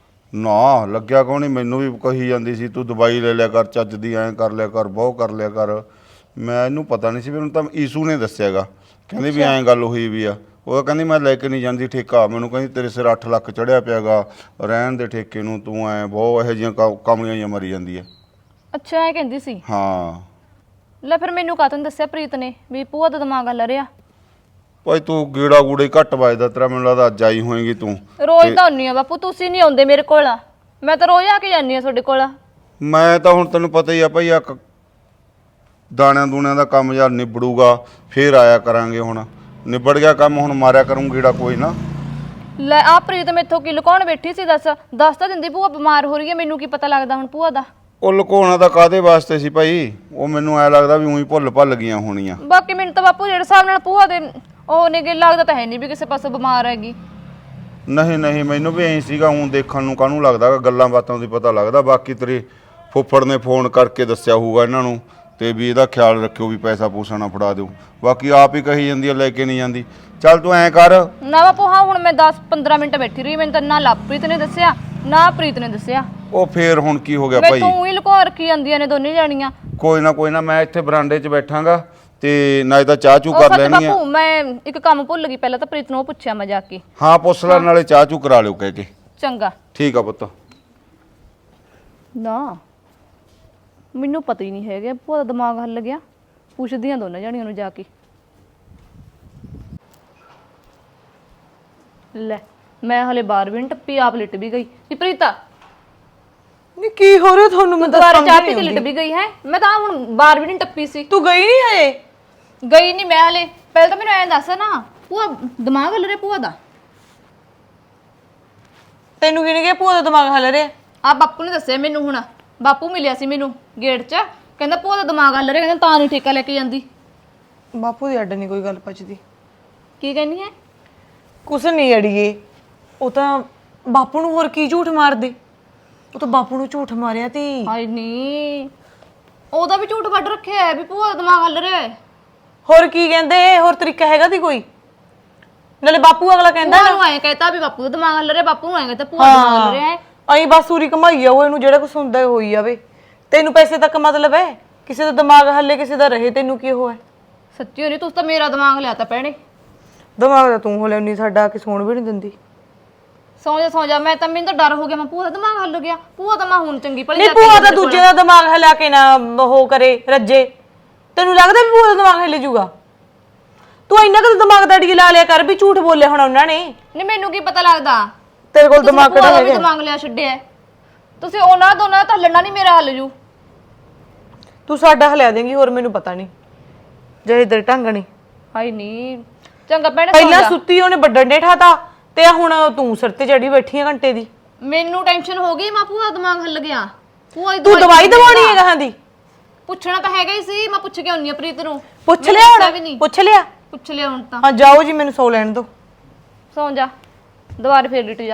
Speaker 4: ਨਾ ਲੱਗਿਆ ਕੋ ਨਹੀਂ ਮੈਨੂੰ ਵੀ ਕਹੀ ਜਾਂਦੀ ਸੀ ਤੂੰ ਦਵਾਈ ਲੈ ਲਿਆ ਕਰ ਚੱਜ ਦੀ ਐਂ ਕਰ ਲਿਆ ਕਰ ਬਹੁ ਕਰ ਲਿਆ ਕਰ ਮੈਂ ਇਹਨੂੰ ਪਤਾ ਨਹੀਂ ਸੀ ਮੈਨੂੰ ਤਾਂ ਈਸੂ ਨੇ ਦੱਸਿਆਗਾ ਕਹਿੰਦੀ ਵੀ ਐਂ ਗੱਲ ਹੋਈ ਵੀ ਆ ਉਹ ਕਹਿੰਦੀ ਮੈਂ ਲੈ ਕੇ ਨਹੀਂ ਜਾਂਦੀ ਠੇਕਾ ਮੈਨੂੰ ਕਹਿੰਦੀ ਤੇਰੇ ਸਿਰ ਅੱਠ ਲੱਖ ਚੜਿਆ ਪਿਆਗਾ ਰਹਿਣ ਦੇ ਠੇਕੇ ਨੂੰ ਤੂੰ ਐਂ ਬਹੁਤ ਇਹੋ ਜਿਹੀਆਂ ਕਮਲੀਆਂ ਜਿਹੀਆਂ ਮਰੀ ਜਾਂਦੀ ਆ
Speaker 1: ਅੱਛਾ ਐ ਕਹਿੰਦੀ ਸੀ
Speaker 4: ਹਾਂ
Speaker 1: ਲੈ ਫਿਰ ਮੈਨੂੰ ਕਾਹਤੋਂ ਦੱਸਿਆ ਪ੍ਰੀਤ ਨੇ ਵੀ ਭੂਆ ਦਾ ਦਿਮਾਗ ਹੱਲ ਰਿਹਾ
Speaker 4: ਭਾਈ ਤੂੰ ਗੇੜਾ ਗੂੜੇ ਹੀ ਘੱਟ ਵੱਜਦਾ ਤੇਰਾ ਮੈਨੂੰ ਲੱਗਦਾ ਅੱਜ ਆਈ ਹੋਏਗੀ ਤੂੰ
Speaker 1: ਰੋਜ਼ ਤਾਂ ਹੁੰਨੀ ਆ ਬਾਪੂ ਤੁਸੀਂ ਨਹੀਂ ਆਉਂਦੇ ਮੇਰੇ ਕੋਲ ਮੈਂ ਤਾਂ ਰੋਜ਼ ਆ ਕੇ ਜਾਂਦੀ ਆ ਤੁਹਾਡੇ ਕੋਲ
Speaker 4: ਮੈਂ ਤਾਂ ਹੁਣ ਤੈਨੂੰ ਪਤਾ ਹੀ ਆ ਭਾਈ ਆ ਦਾਣਿਆਂ ਦੂਣਿਆਂ ਦਾ ਕੰਮ ਯਾਰ ਨਿਬੜੂਗਾ ਫੇਰ ਆਇਆ ਕਰਾਂਗੇ ਹੁਣ ਨਿਬੜ ਗਿਆ ਕੰਮ ਹੁਣ ਮਾਰਿਆ ਕਰੂੰ ਗੇੜਾ ਕੋਈ ਨਾ
Speaker 1: ਲੈ ਆ ਪ੍ਰੀਤ ਮੈਥੋਂ ਕੀ ਲੁਕਾਉਣ ਬੈਠੀ ਸੀ ਦੱਸ ਦੱਸ ਤਾਂ ਦਿੰਦੀ ਭੂਆ ਬਿਮਾਰ ਹੋ ਰਹੀ ਹੈ ਮੈਨੂੰ ਕੀ ਪਤਾ ਲੱਗਦਾ ਹੁਣ ਭੂਆ ਦਾ
Speaker 4: ਉਹ ਲੁਕਾਉਣਾ ਤਾਂ ਕਾਦੇ ਵਾਸਤੇ ਸੀ ਭਾਈ ਉਹ ਮੈਨੂੰ ਐ ਲੱਗਦਾ ਵੀ ਉਹੀ ਭੁੱਲ ਭੱਲ ਗਈਆਂ ਹੋਣੀਆਂ
Speaker 1: ਬਾਕੀ ਮੈਨੂੰ ਤਾਂ ਬਾਪੂ ਜਿਹੜੇ ਹਿਸਾਬ ਨਾਲ ਭੂਆ ਦੇ ਉਹ ਨੇ ਲੱਗਦਾ ਤਾਂ ਹੈ ਨਹੀਂ ਵੀ ਕਿਸੇ ਪਾਸੇ ਬਿਮਾਰ ਹੈਗੀ
Speaker 4: ਨਹੀਂ ਨਹੀਂ ਮੈਨੂੰ ਵੀ ਐਂ ਸੀਗਾ ਹੁਣ ਦੇਖਣ ਨੂੰ ਕਾਹਨੂੰ ਲੱਗਦਾ ਗੱਲਾਂ ਬਾਤਾਂ ਦੀ ਪਤਾ ਲੱਗਦਾ ਬਾਕੀ ਤੇਰੇ ਫੁੱਫੜ ਨੇ ਫੋਨ ਕਰਕੇ ਦੱਸਿਆ ਹੋਊਗਾ ਇਹਨਾਂ ਨੂੰ ਤੇ ਵੀ ਇਹਦਾ ਖਿਆਲ ਰੱਖਿਓ ਵੀ ਪੈਸਾ ਪੂਸਾ ਨਾ ਫੜਾ ਦਿਓ ਬਾਕੀ ਆਪ ਹੀ ਕਹੀ ਜਾਂਦੀ ਆ ਲੈ ਕੇ ਨਹੀਂ ਜਾਂਦੀ ਚੱਲ ਤੂੰ ਐਂ ਕਰ
Speaker 1: ਨਾ ਬਾਪੂ ਹਾਂ ਹੁਣ ਮੈਂ ਦਸ ਪੰਦਰਾਂ ਮਿੰਟ ਬੈਠੀ ਰਹੀ ਮੈਨੂੰ ਤਾਂ ਨਾ ਲਵਪ੍ਰੀਤ ਨੇ ਦੱਸਿਆ ਨਾ ਪ੍ਰੀਤ ਨੇ ਦੱਸਿਆ
Speaker 4: ਉਹ ਫੇਰ ਹੁਣ ਕੀ ਹੋ ਗਿਆ
Speaker 1: ਮੈਂ
Speaker 4: ਭਾਈ
Speaker 1: ਤੂੰ ਹੀ ਲੁਕਾ ਰੱਖੀ ਜਾਂਦੀਆਂ ਨੇ ਦੋਨੇ ਜਾਣੀਆਂ
Speaker 4: ਕੋਈ ਨਾ ਕੋਈ ਨਾ ਮੈਂ ਇੱਥੇ ਬਰਾਂਡੇ 'ਚ ਬੈਠਾਂਗਾ ਤੇ ਨਾ ਤਾਂ ਚਾਹ ਚੂ ਕਰ ਲੈਣੀ ਆ
Speaker 1: ਬਾਪੂ ਮੈਂ ਇੱਕ ਕੰਮ ਭੁੱਲ ਗਈ ਪਹਿਲਾਂ ਤਾਂ ਪ੍ਰੀਤ ਨੂੰ ਉਹ ਪੁੱਛਿਆ ਮੈਂ ਜਾ ਕੇ
Speaker 4: ਹਾਂ ਪੁੱਛ ਲੈ ਨਾਲੇ ਚਾਹ ਚੂ ਕਰਾ ਲਿਓ ਕਹਿ ਕੇ
Speaker 1: ਚੰਗਾ
Speaker 4: ਠੀਕ ਆ ਪੁੱਤ
Speaker 1: ਨਾ ਮੈਨੂੰ ਪਤਾ ਹੀ ਨਹੀਂ ਹੈਗਾ ਭੂਆ ਦਾ ਦਿਮਾਗ ਹੱਲ ਗਿਆ ਪੁੱਛਦੀਆਂ ਦੋਨਾਂ ਜਾਣੀਆਂ ਨੂੰ ਜਾ ਕੇ ਲੈ ਮੈਂ ਹਲੇ ਬਾਹਰ ਵੀ ਨੀ ਟੱਪੀ ਆਪ ਲਿਟ ਵੀ ਗਈ ਕਿ ਪ੍ਰੀਤਾ
Speaker 2: ਨਹੀਂ ਕੀ ਹੋ ਰਿਹਾ ਤੁਹਾਨੂੰ ਮੈਂ
Speaker 1: ਦੁਬਾਰਾ
Speaker 2: ਦੱਸਾਂ
Speaker 1: ਚਾਹ ਪੀ ਕੇ ਲਿਟ ਵੀ ਗਈ ਹੈ ਮੈਂ ਤਾਂ ਹੁਣ ਬਾਹਰ ਵੀ ਨਹੀਂ ਟੱਪੀ ਸੀ
Speaker 2: ਤੂੰ ਗਈ ਨਹੀਂ ਹਜੇ
Speaker 1: ਗਈ ਨਹੀਂ ਮੈਂ ਹਲੇ ਪਹਿਲਾਂ ਤਾਂ ਮੈਨੂੰ ਐਂ ਦੱਸ ਨਾ ਭੂਆ ਦਿਮਾਗ ਹੱਲ ਰਿਹਾ ਭੂਆ ਦਾ
Speaker 2: ਤੈਨੂੰ ਕਿਹਨੇ ਕਿਹਾ ਭੂਆ ਦਾ ਦਿਮਾਗ ਹੱਲ ਰਿਹਾ
Speaker 1: ਆ ਬਾਪੂ ਨੇ ਦੱਸਿਆ ਮੈਨੂੰ ਹੁਣ ਬਾਪੂ ਮਿਲਿਆ ਸੀ ਮੈਨੂੰ ਗੇਟ 'ਚ ਕਹਿੰਦਾ ਭੂਆ ਦਾ ਦਿਮਾਗ ਹੱਲ ਰਿਹਾ, ਕਹਿੰਦਾ ਤਾਂ ਨਹੀਂ ਠੇਕਾ ਲੈ ਕੇ ਜਾਂਦੀ।
Speaker 2: ਬਾਪੂ ਦੀ ਅੱਡ ਨਹੀਂ ਕੋਈ ਗੱਲ ਪਚਦੀ।
Speaker 1: ਕੀ ਕਹਿੰਦੀ ਹੈ?
Speaker 2: ਕੁਛ ਨਹੀਂ ਅੜੀਏ, ਉਹ ਤਾਂ ਬਾਪੂ ਨੂੰ ਹੋਰ ਕੀ ਝੂਠ ਮਾਰਦੇ, ਉਹ ਤਾਂ ਬਾਪੂ ਨੂੰ ਝੂਠ ਮਾਰਿਆ ਤੀ।
Speaker 1: ਹਾਏ ਨੀ, ਉਹਦਾ ਵੀ ਝੂਠ ਕੱਢ ਰੱਖਿਆ ਹੈ ਵੀ ਭੂਆ ਦਾ ਦਿਮਾਗ ਹੱਲ ਰਿਹਾ ਹੈ।
Speaker 2: ਹੋਰ ਕੀ ਕਹਿੰਦੇ, ਹੋਰ ਤਰੀਕਾ ਹੈਗਾ ਤੀ ਕੋਈ? ਨਾਲੇ ਬਾਪੂ ਅਗਲਾ ਕਹਿੰਦਾ
Speaker 1: ਭੂਆ ਨੂੰ ਐਂ ਕਹਿਤਾ ਵੀ ਬਾਪੂ ਦਾ ਦਿਮਾਗ ਹੱਲ ਰਿਹਾ, ਬਾਪੂ ਨੂੰ ਐਂ ਕਹਿਤਾ ਭੂਆ ਦਾ ਦਿਮਾਗ ਹੱਲ ਰਿਹਾ ਹੈ।
Speaker 2: ਅਹੀਂ ਬਸ ਉਰੀ ਕਮਾਈ ਜਾਓ, ਇਹਨੂੰ ਜਿਹੜਾ ਕੁਛ ਹੁੰਦਾ ਹੋਈ ਜਾਵੇ। ਤੈਨੂੰ ਪੈਸੇ ਤੱਕ ਮਤਲਬ ਹੈ, ਕਿਸੇ ਦਾ ਦਿਮਾਗ ਹੱਲੇ ਕਿਸੇ ਦਾ ਰਹੇ, ਤੈਨੂੰ ਕੀ ਹੋਇਆ?
Speaker 1: ਸੱਚੀ ਹੋਣੀ, ਤੁਸੀਂ ਤਾਂ ਮੇਰਾ ਦਿਮਾਗ ਲਿਆ ਤਾ ਭੈਣੇ।
Speaker 2: ਦਿਮਾਗ ਦਾ ਤੂੰ ਹੋ ਲੈਣੀ, ਸਾਡਾ ਆ ਕੇ ਸੌਣ ਵੀ ਨਹੀਂ ਦਿੰਦੀ।
Speaker 1: ਸੌਂ ਜਾ ਸੌਂ ਜਾ, ਮੈਂ ਤਾਂ ਮੈਨੂੰ ਤਾਂ ਡਰ ਹੋ ਗਿਆ, ਮੈਂ ਭੂਆ ਦਾ ਦਿਮਾਗ ਹੱਲ ਗਿਆ। ਭੂਆ ਤਾਂ ਮੈਂ ਹੁਣ ਚੰਗੀ ਭਲੀ
Speaker 2: ਨਹੀਂ ਭੂਆ ਦਾ ਦੂਜੇ ਦਾ ਦਿਮਾਗ ਹਿਲਾ ਕੇ ਨਾ ਉਹ ਕਰੇ ਰੱਜੇ। ਤੈਨੂੰ ਲੱਗਦਾ ਵੀ ਭੂਆ ਦਾ ਦਿਮਾਗ ਹਿੱਲ ਜੂਗਾ? ਤੂੰ ਇੰਨਾ ਕੁ ਦਿਮਾਗ ਦਾ ਡੀ ਲਾ ਲਿਆ ਕਰ ਵੀ ਝੂਠ ਬੋਲਿਆ ਹੁਣ ਉਹਨਾਂ ਨੇ।
Speaker 1: ਨਹੀਂ ਮੈਨੂੰ ਕੀ ਪਤਾ ਲੱਗਦਾ
Speaker 2: ਤੇਰੇ ਕੋਲ ਦਿਮਾਗ
Speaker 1: ਕਿਹੜਾ
Speaker 2: ਕਿਹੜਾ ਹੈਗਾ?
Speaker 1: ਦਿਮਾਗ ਲਿਆ ਛੱਡਿਆ ਹੈ। ਤੁਸੀਂ ਉਹਨਾਂ ਦੋਨਾਂ ਦਾ ਹੱਲਣਾ ਨਹੀਂ, ਮੇਰਾ ਹੱਲ ਜੂ।
Speaker 2: ਤੂੰ ਸਾਡਾ ਹਿਲਾ ਦੇਂਗੀ, ਹੋਰ ਮੈਨੂੰ ਪਤਾ ਨਹੀਂ ਜੇ ਇਧਰ ਢੰਗ ਨਹੀਂ।
Speaker 1: ਹਾਏ ਨੀ, ਚੰਗਾ ਭੈਣੇ ਸੌਂ
Speaker 2: ਪਹਿਲਾਂ
Speaker 1: ਜਾ।
Speaker 2: ਸੁੱਤੀ ਉਹਨੇ ਵੱਡਣ ਡੇ ਠਾਤਾ ਤੇ ਹੁਣ ਤੂੰ ਸਿਰ ਤੇ ਚੜੀ ਬੈਠੀ ਆ ਘੰਟੇ ਦੀ।
Speaker 1: ਮੈਨੂੰ ਟੈਨਸ਼ਨ ਹੋ ਗਈ, ਮੈਂ ਭੂਆ ਦਾ ਦਿਮਾਗ ਹੱਲ ਗਿਆ। ਭੂਆ ਦੀ
Speaker 2: ਤੂੰ ਦਵਾਈ ਦਵਾਉਣੀ ਹੈ ਗਾਹਾਂ ਦੀ?
Speaker 1: ਪੁੱਛਣਾ ਤਾਂ ਹੈਗਾ ਹੀ ਸੀ, ਮੈਂ ਪੁੱਛ ਕੇ ਆਉਣੀ ਆ ਪ੍ਰੀਤ ਨੂੰ।
Speaker 2: ਪੁੱਛ
Speaker 1: ਮੈਨੂੰ
Speaker 2: ਲਿਆ
Speaker 1: ਦੱਸਿਆ ਵੀ
Speaker 2: ਹੁਣ?
Speaker 1: ਨਹੀਂ।
Speaker 2: ਪੁੱਛ ਲਿਆ?
Speaker 1: ਪੁੱਛ ਲਿਆ ਹੁਣ ਤਾਂ।
Speaker 2: ਹਾਂ ਜਾਓ ਜੀ, ਮੈਨੂੰ ਸੌ ਲੈਣ ਦਿਓ।
Speaker 1: ਸੌਂ ਜਾ, ਦੁਬਾਰੇ ਫੇਰ ਲਿਟ ਜਾ।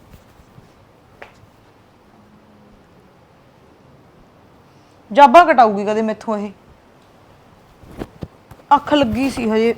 Speaker 2: ਜਾਬਾ ਕਟਾਊਗੀ ਕਦੇ ਮੈਥੋਂ ਇਹ। ਅੱਖ ਲੱਗੀ ਸੀ ਹਜੇ,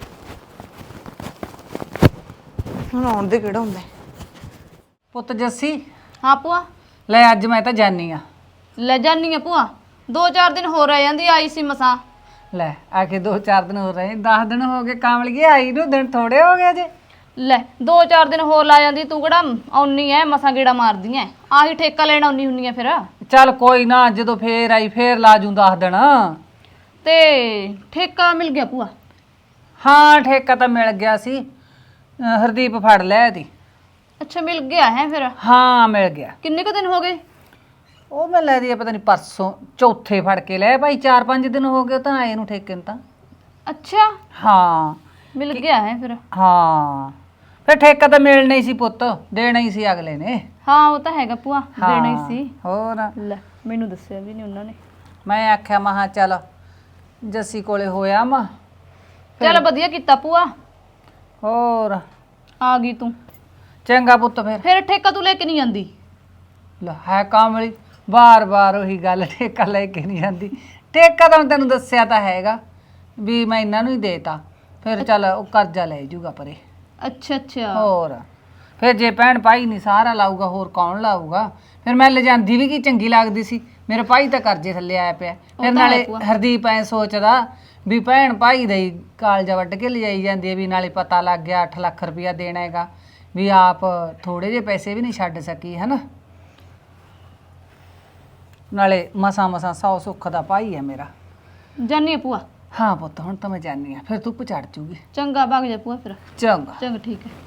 Speaker 2: ਹੁਣ ਆਉਣ ਦੇ ਕਿਹੜਾ ਹੁੰਦਾ।
Speaker 5: ਪੁੱਤ ਜੱਸੀ,
Speaker 1: ਹਾਂ ਭੂਆ,
Speaker 5: ਲੈ ਅੱਜ ਮੈਂ ਤਾਂ ਜਾਨੀ ਆ।
Speaker 1: ਲੈ ਜਾਨੀ ਆ ਭੂਆ, ਦੋ ਚਾਰ ਦਿਨ ਹੋਰ ਆ ਜਾਂਦੀ, ਆਈ ਸੀ ਮਸਾਂ।
Speaker 5: ਲੈ ਆ ਕੇ ਦੋ ਚਾਰ ਦਿਨ ਹੋ ਰਹੇ, ਦਸ ਦਿਨ ਹੋ ਗਏ ਕਾਮਲਗੀ ਆਈ ਨੂੰ, ਦਿਨ ਥੋੜੇ ਹੋ ਗਏ ਜੇ।
Speaker 1: ਲੈ ਦੋ ਚਾਰ ਦਿਨ ਹੋਰ ਲਾ ਜਾਂਦੀ, ਤੂੰ ਕਿਹੜਾ ਆਉਣੀ ਐ, ਮਸਾਂ ਗੇੜਾ ਮਾਰਦੀ ਐ। ਆਹੀ ਠੇਕਾ ਲੈਣ ਆਉਣੀ ਹੁੰਨੀ ਐ ਫਿਰ।
Speaker 5: ਚੱਲ ਕੋਈ ਨਾ, ਜਦੋਂ ਫੇਰ ਆਈ ਫੇਰ ਲਾ ਜੂ ਦਸ ਦਿਨ।
Speaker 1: ਤੇ ਠੇਕਾ ਮਿਲ ਗਿਆ ਭੂਆ?
Speaker 5: ਹਾਂ ਠੇਕਾ ਤਾਂ ਮਿਲ ਗਿਆ ਸੀ, ਅਹ ਹਰਦੀਪ ਫੜ ਲਿਆ ਇਹਦੀ।
Speaker 1: ਅੱਛਾ ਮਿਲ ਗਿਆ ਹੈ ਫਿਰ?
Speaker 5: ਹਾਂ ਮਿਲ ਗਿਆ।
Speaker 1: ਕਿੰਨੇ ਕੁ ਦਿਨ ਹੋ ਗਏ?
Speaker 5: ਉਹ ਮੈਂ ਲੈ ਦੀ ਪਤਾ ਨਹੀਂ ਪਰਸੋਂ ਚੌਥੇ ਫੜ ਕੇ ਲੈ ਭਾਈ, ਚਾਰ ਪੰਜ ਦਿਨ ਹੋ ਗਏ ਤਾਂ ਆਏ ਨੂੰ ਠੇਕੇ ਨੂੰ ਤਾਂ।
Speaker 1: ਅੱਛਾ
Speaker 5: ਹਾਂ
Speaker 1: ਮਿਲ ਗਿਆ ਹੈ ਫਿਰ?
Speaker 5: ਹਾਂ ਫਿਰ ਠੇਕਾ ਤਾਂ ਮਿਲਣਾ ਹੀ ਸੀ ਪੁੱਤ, ਦੇਣਾ ਹੀ ਸੀ ਅਗਲੇ ਨੇ।
Speaker 1: ਹਾਂ ਉਹ ਤਾਂ ਹੈਗਾ ਭੂਆ, ਦੇਣਾ ਹੀ
Speaker 5: ਹਾਂ,
Speaker 1: ਸੀ।
Speaker 5: ਹੋਰ
Speaker 1: ਲੈ ਮੈਨੂੰ ਦੱਸਿਆ ਵੀ ਨਹੀਂ ਉਹਨਾਂ ਨੇ।
Speaker 5: ਮੈਂ ਆਖਿਆ ਮਹਾ ਚੱਲ ਜੱਸੀ ਕੋਲੇ ਹੋਇਆ ਮਾ।
Speaker 1: ਚੱਲ ਵਧੀਆ ਕੀਤਾ ਭੂਆ,
Speaker 5: ਹੋਰ
Speaker 1: ਆ ਗਈ ਤੂੰ।
Speaker 5: ਚੰਗਾ ਪੁੱਤ ਫਿਰ।
Speaker 1: ਫਿਰ ਠੇਕਾ ਤੂੰ ਲੈ ਕੇ ਨਹੀਂ ਆਂਦੀ?
Speaker 5: ਲੈ ਹੈ ਕਾਮਲੀ, ਬਾਰ ਬਾਰ ਉਹੀ ਗੱਲ, ਠੇਕਾ ਲੈ ਕੇ ਨਹੀਂ ਆਂਦੀ। ਠੇਕਾ ਤਾਂ ਤੈਨੂੰ ਦੱਸਿਆ ਤਾਂ ਹੈਗਾ ਵੀ ਮੈਂ ਇਹਨਾਂ ਨੂੰ ਹੀ ਦੇਤਾ, ਫਿਰ ਚੱਲ ਉਹ ਕਰਜ਼ਾ ਲੈ ਜੂਗਾ ਪਰੇ।
Speaker 1: ਅੱਛਾ ਅੱਛਾ।
Speaker 5: ਹੋਰ ਫਿਰ ਜੇ ਭੈਣ ਭਾਈ ਨਹੀਂ ਸਾਰਾ ਲਾਊਗਾ ਹੋਰ ਕੌਣ ਲਾਊਗਾ? ਫਿਰ ਮੈਂ ਲਿਜਾਂਦੀ ਵੀ ਕੀ ਚੰਗੀ ਲੱਗਦੀ ਸੀ, ਮੇਰੇ ਭਾਈ ਤਾਂ ਕਰਜ਼ੇ ਥੱਲੇ ਆਇਆ ਪਿਆ। ਫਿਰ ਨਾਲੇ ਹਰਦੀਪ ਐ ਸੋਚਦਾ ਵੀ ਭੈਣ ਭਾਈ ਦਾ ਹੀ ਕਾਲਜਾ ਵੱਢ ਕੇ ਲਿਜਾਈ ਜਾਂਦੀ ਹੈ, ਵੀ ਨਾਲੇ ਪਤਾ ਲੱਗ ਗਿਆ ਅੱਠ ਲੱਖ ਰੁਪਇਆ ਦੇਣਾ ਹੈਗਾ, ਵੀ ਆਪ ਥੋੜੇ ਜਿਹੇ ਪੈਸੇ ਵੀ ਨਹੀਂ ਛੱਡ ਸਕੀ ਹੈ ਨਾ। ਨਾਲੇ ਮਸਾਂ ਮਸਾਂ ਸੌ ਸੁੱਖ ਦਾ ਭਾਈ ਹੈ ਮੇਰਾ।
Speaker 1: ਜਾਨੀ ਆ ਭੂਆ?
Speaker 5: ਹਾਂ ਪੁੱਤ ਹੁਣ ਤਾਂ ਮੈਂ ਜਾਣੀ ਆ, ਫਿਰ ਧੁੱਪ ਚੜ ਜੂਗੀ।
Speaker 1: ਚੰਗਾ ਭੱਗ ਜਾ ਭੂਆ ਫਿਰ।
Speaker 5: ਚੰਗਾ
Speaker 1: ਚੰਗਾ ਠੀਕ ਹੈ।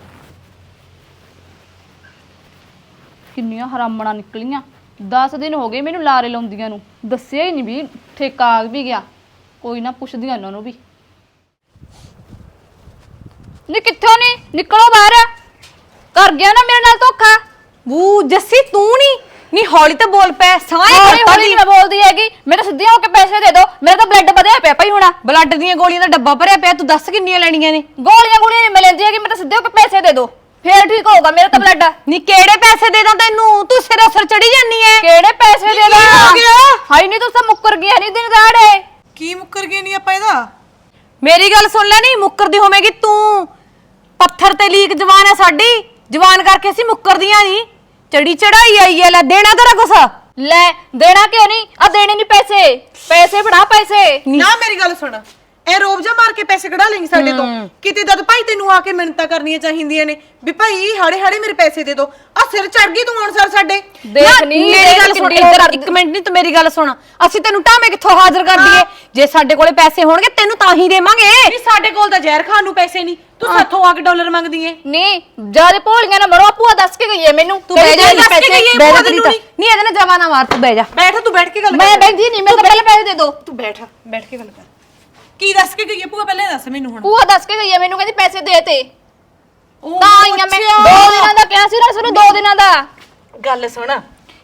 Speaker 1: ਕਿੰਨੀਆਂ ਹਰਾਮਣਾ ਨਿਕਲੀਆਂ, ਦਸ ਦਿਨ ਹੋ ਗਏ ਮੈਨੂੰ ਲਾਰੇ ਲਾਉਂਦੀਆਂ ਨੂੰ, ਦੱਸਿਆ ਹੀ ਨਹੀਂ ਵੀ ਠੇਕਾ ਆ ਵੀ ਗਿਆ। ਕੋਈ ਨਾ ਪੁੱਛਦੀਆਂ ਉਹਨਾਂ ਨੂੰ ਵੀ। ਨੀ ਕਿੱਥੋਂ ਨੀ ਨਿਕਲੋ ਬਾਹਰ, ਕਰ ਗਿਆ ਨਾ ਮੇਰੇ ਨਾਲ ਧੋਖਾ।
Speaker 3: ਬੂ ਜੱਸੀ ਤੂੰ ਨਹੀਂ ਨੀ ਹੌਲੀ ਤਾਂ ਬੋਲ ਪੈ, ਸਾਏ
Speaker 1: ਹੌਲੀ ਹੌਲੀ ਨਹੀਂ ਮੈਂ ਬੋਲਦੀ ਹੈਗੀ, ਮੇਰੇ ਸਿੱਧੀਆਂ ਹੋ ਕੇ ਪੈਸੇ ਦੇ ਦਿਓ, ਮੇਰਾ ਤਾਂ ਬਲੱਡ ਵਧਿਆ ਪਿਆ ਭਾਈ। ਹੁਣ
Speaker 3: ਬਲੱਡ ਦੀਆਂ ਗੋਲੀਆਂ ਦਾ ਡੱਬਾ ਭਰਿਆ ਪਿਆ, ਤੂੰ ਦੱਸ ਕਿੰਨੀਆਂ ਲੈਣੀਆਂ ਨੇ?
Speaker 1: ਗੋਲੀਆਂ ਗੋਲੀਆਂ ਨਹੀਂ ਮਿਲਦੀ ਹੈਗੀ, ਮੇਰੇ ਤਾਂ ਸਿੱਧੇ ਹੋ ਕੇ ਪੈਸੇ ਦੇ ਦਿਓ, ਫੇਰ ਠੀਕ ਹੋਊਗਾ ਮੇਰਾ ਤਾਂ ਬਲੱਡ।
Speaker 3: ਨੀ ਕਿਹੜੇ ਪੈਸੇ ਦੇ ਦਾਂ ਤੈਨੂੰ, ਤੂੰ ਸਿਰ ਅਸਰ ਚੜੀ ਜਾਨੀ ਐ।
Speaker 1: ਕਿਹੜੇ ਪੈਸੇ ਦੇ ਦਾਂ? ਹਾਈ ਨਹੀਂ ਤੂੰ ਤਾਂ ਮੁੱਕਰ ਗਿਆ ਨਹੀਂ ਦਿਨ ਦਾੜੇ।
Speaker 2: ਕੀ ਮੁੱਕਰ ਗਏ ਨਹੀਂ ਆਪਾਂ ਇਹਦਾ?
Speaker 3: ਮੇਰੀ ਗੱਲ ਸੁਣ ਲੈ, ਨਹੀਂ ਮੁੱਕਰਦੀ ਹੋਵੇਂਗੀ ਤੂੰ। ਪੱਥਰ ਤੇ ਲੀਕ ਜਵਾਨ ਹੈ ਸਾਡੀ, ਜਵਾਨ ਕਰਕੇ ਅਸੀਂ ਮੁੱਕਰਦੀਆਂ ਨਹੀਂ। ਚੜੀ ਚੜਾਈ ਆਈ ਐ, ਲੈ ਦੇਣਾ ਤੇਰਾ ਕੁਛ?
Speaker 1: ਲੈ ਦੇਣਾ ਕਿਉਂ ਨਹੀਂ, ਆ ਦੇਣੇ ਨਹੀਂ ਪੈਸੇ, ਪੈਸੇ ਫੜਾ ਪੈਸੇ।
Speaker 2: ਨਾ ਮੇਰੀ ਗੱਲ ਸੁਣ, ਇਹ ਰੋਬ ਜਾ ਮਾਰ ਕੇ ਪੈਸੇ ਕਢਾ ਲੈਂਗੀ ਸਾਡੇ ਤੋਂ ਕਿਤੇ? ਦਦ ਭਾਈ ਤੈਨੂੰ ਆ ਕੇ ਮਿੰਨਤਾਂ ਕਰਨੀਆਂ ਚਾਹੀਦੀਆਂ ਨੇ ਵੀ ਭਾਈ ਹਾੜੇ ਹਾੜੇ ਮੇਰੇ ਪੈਸੇ ਦੇ ਦੋ। ਆ ਸਿਰ ਚੜ ਗਈ ਤੂੰ ਹੁਣ ਸਰ ਸਾਡੇ।
Speaker 1: ਦੇਖ ਨੀ
Speaker 3: ਮੇਰੀ ਗੱਲ ਸੁਣ, ਇੱਧਰ ਇੱਕ ਮਿੰਟ ਨਹੀਂ, ਤੂੰ ਮੇਰੀ ਗੱਲ ਸੁਣ। ਅਸੀਂ ਤੈਨੂੰ ਟਾਵੇਂ ਕਿੱਥੋਂ ਹਾਜ਼ਰ ਕਰ ਦਈਏ? ਜੇ ਸਾਡੇ ਕੋਲੇ ਪੈਸੇ ਹੋਣਗੇ ਤੈਨੂੰ ਤਾਂ ਹੀ ਦੇਵਾਂਗੇ।
Speaker 2: ਨਹੀਂ ਸਾਡੇ ਕੋਲ ਤਾਂ ਜ਼ਹਿਰ ਖਾਣ ਨੂੰ ਪੈਸੇ ਨਹੀਂ, ਤੂੰ ਸਾਥੋਂ ਆ ਕੇ ਡਾਲਰ ਮੰਗਦੀ ਏ।
Speaker 1: ਨਹੀਂ ਜਿਆਦੇ ਭੋਲੀਆਂ ਨਾ ਮਰੋ, ਭੂਆ ਦੱਸ ਕੇ ਗਈ ਹੈ ਮੈਨੂੰ।
Speaker 3: ਤੂੰ ਬਹਿ ਜਾ,
Speaker 2: ਦੱਸ ਕੇ
Speaker 3: ਪੈਸੇ
Speaker 2: ਗਈ ਹੈ,
Speaker 3: ਬਹਿ ਜਾ
Speaker 2: ਭੂਆ
Speaker 3: ਤੇਰੀ
Speaker 2: ਤੈਨੂੰ
Speaker 3: ਤਾਂ।
Speaker 2: ਨਹੀਂ।
Speaker 3: ਨਹੀਂ ਇਹਦੇ ਨਾਲ ਜਵਾ ਨਾ ਮਾਰ, ਤੂੰ ਬਹਿ ਜਾ।
Speaker 2: ਬੈਠ, ਤੂੰ ਬੈਠ ਕੇ ਗੱਲ ਕਰ।
Speaker 1: ਮੈਂ ਬੈਠੀ ਨਹੀਂ, ਮੇਰੇ ਤਾਂ ਪਹਿਲੇ ਪੈਸੇ ਦੇ ਦਿਓ।
Speaker 2: ਤੂੰ ਬੈਠ, ਬੈਠ ਕੇ ਗੱਲ ਕਰ। ਕੀ ਦੱਸ ਕੇ ਗਈ ਹੈ ਭੂਆ, ਪਹਿਲੇ ਦੱਸ ਮੈਨੂੰ ਹੁਣ।
Speaker 1: ਭੂਆ ਦੱਸ ਕੇ ਗਈ ਹੈ ਮੈਨੂੰ, ਕਹਿੰਦੀ ਪੈਸੇ ਦੇ ਤੇ
Speaker 2: ਉਹ
Speaker 1: ਤਾਂ ਆਈਆਂ ਮੈਂ। ਦੋ ਦਿਨਾਂ ਦਾ ਕਿਹਾ ਸੀ ਨਾ, ਸਾਨੂੰ ਦੋ ਦਿਨਾਂ ਦਾ।
Speaker 2: ਗੱਲ ਸੁਣ,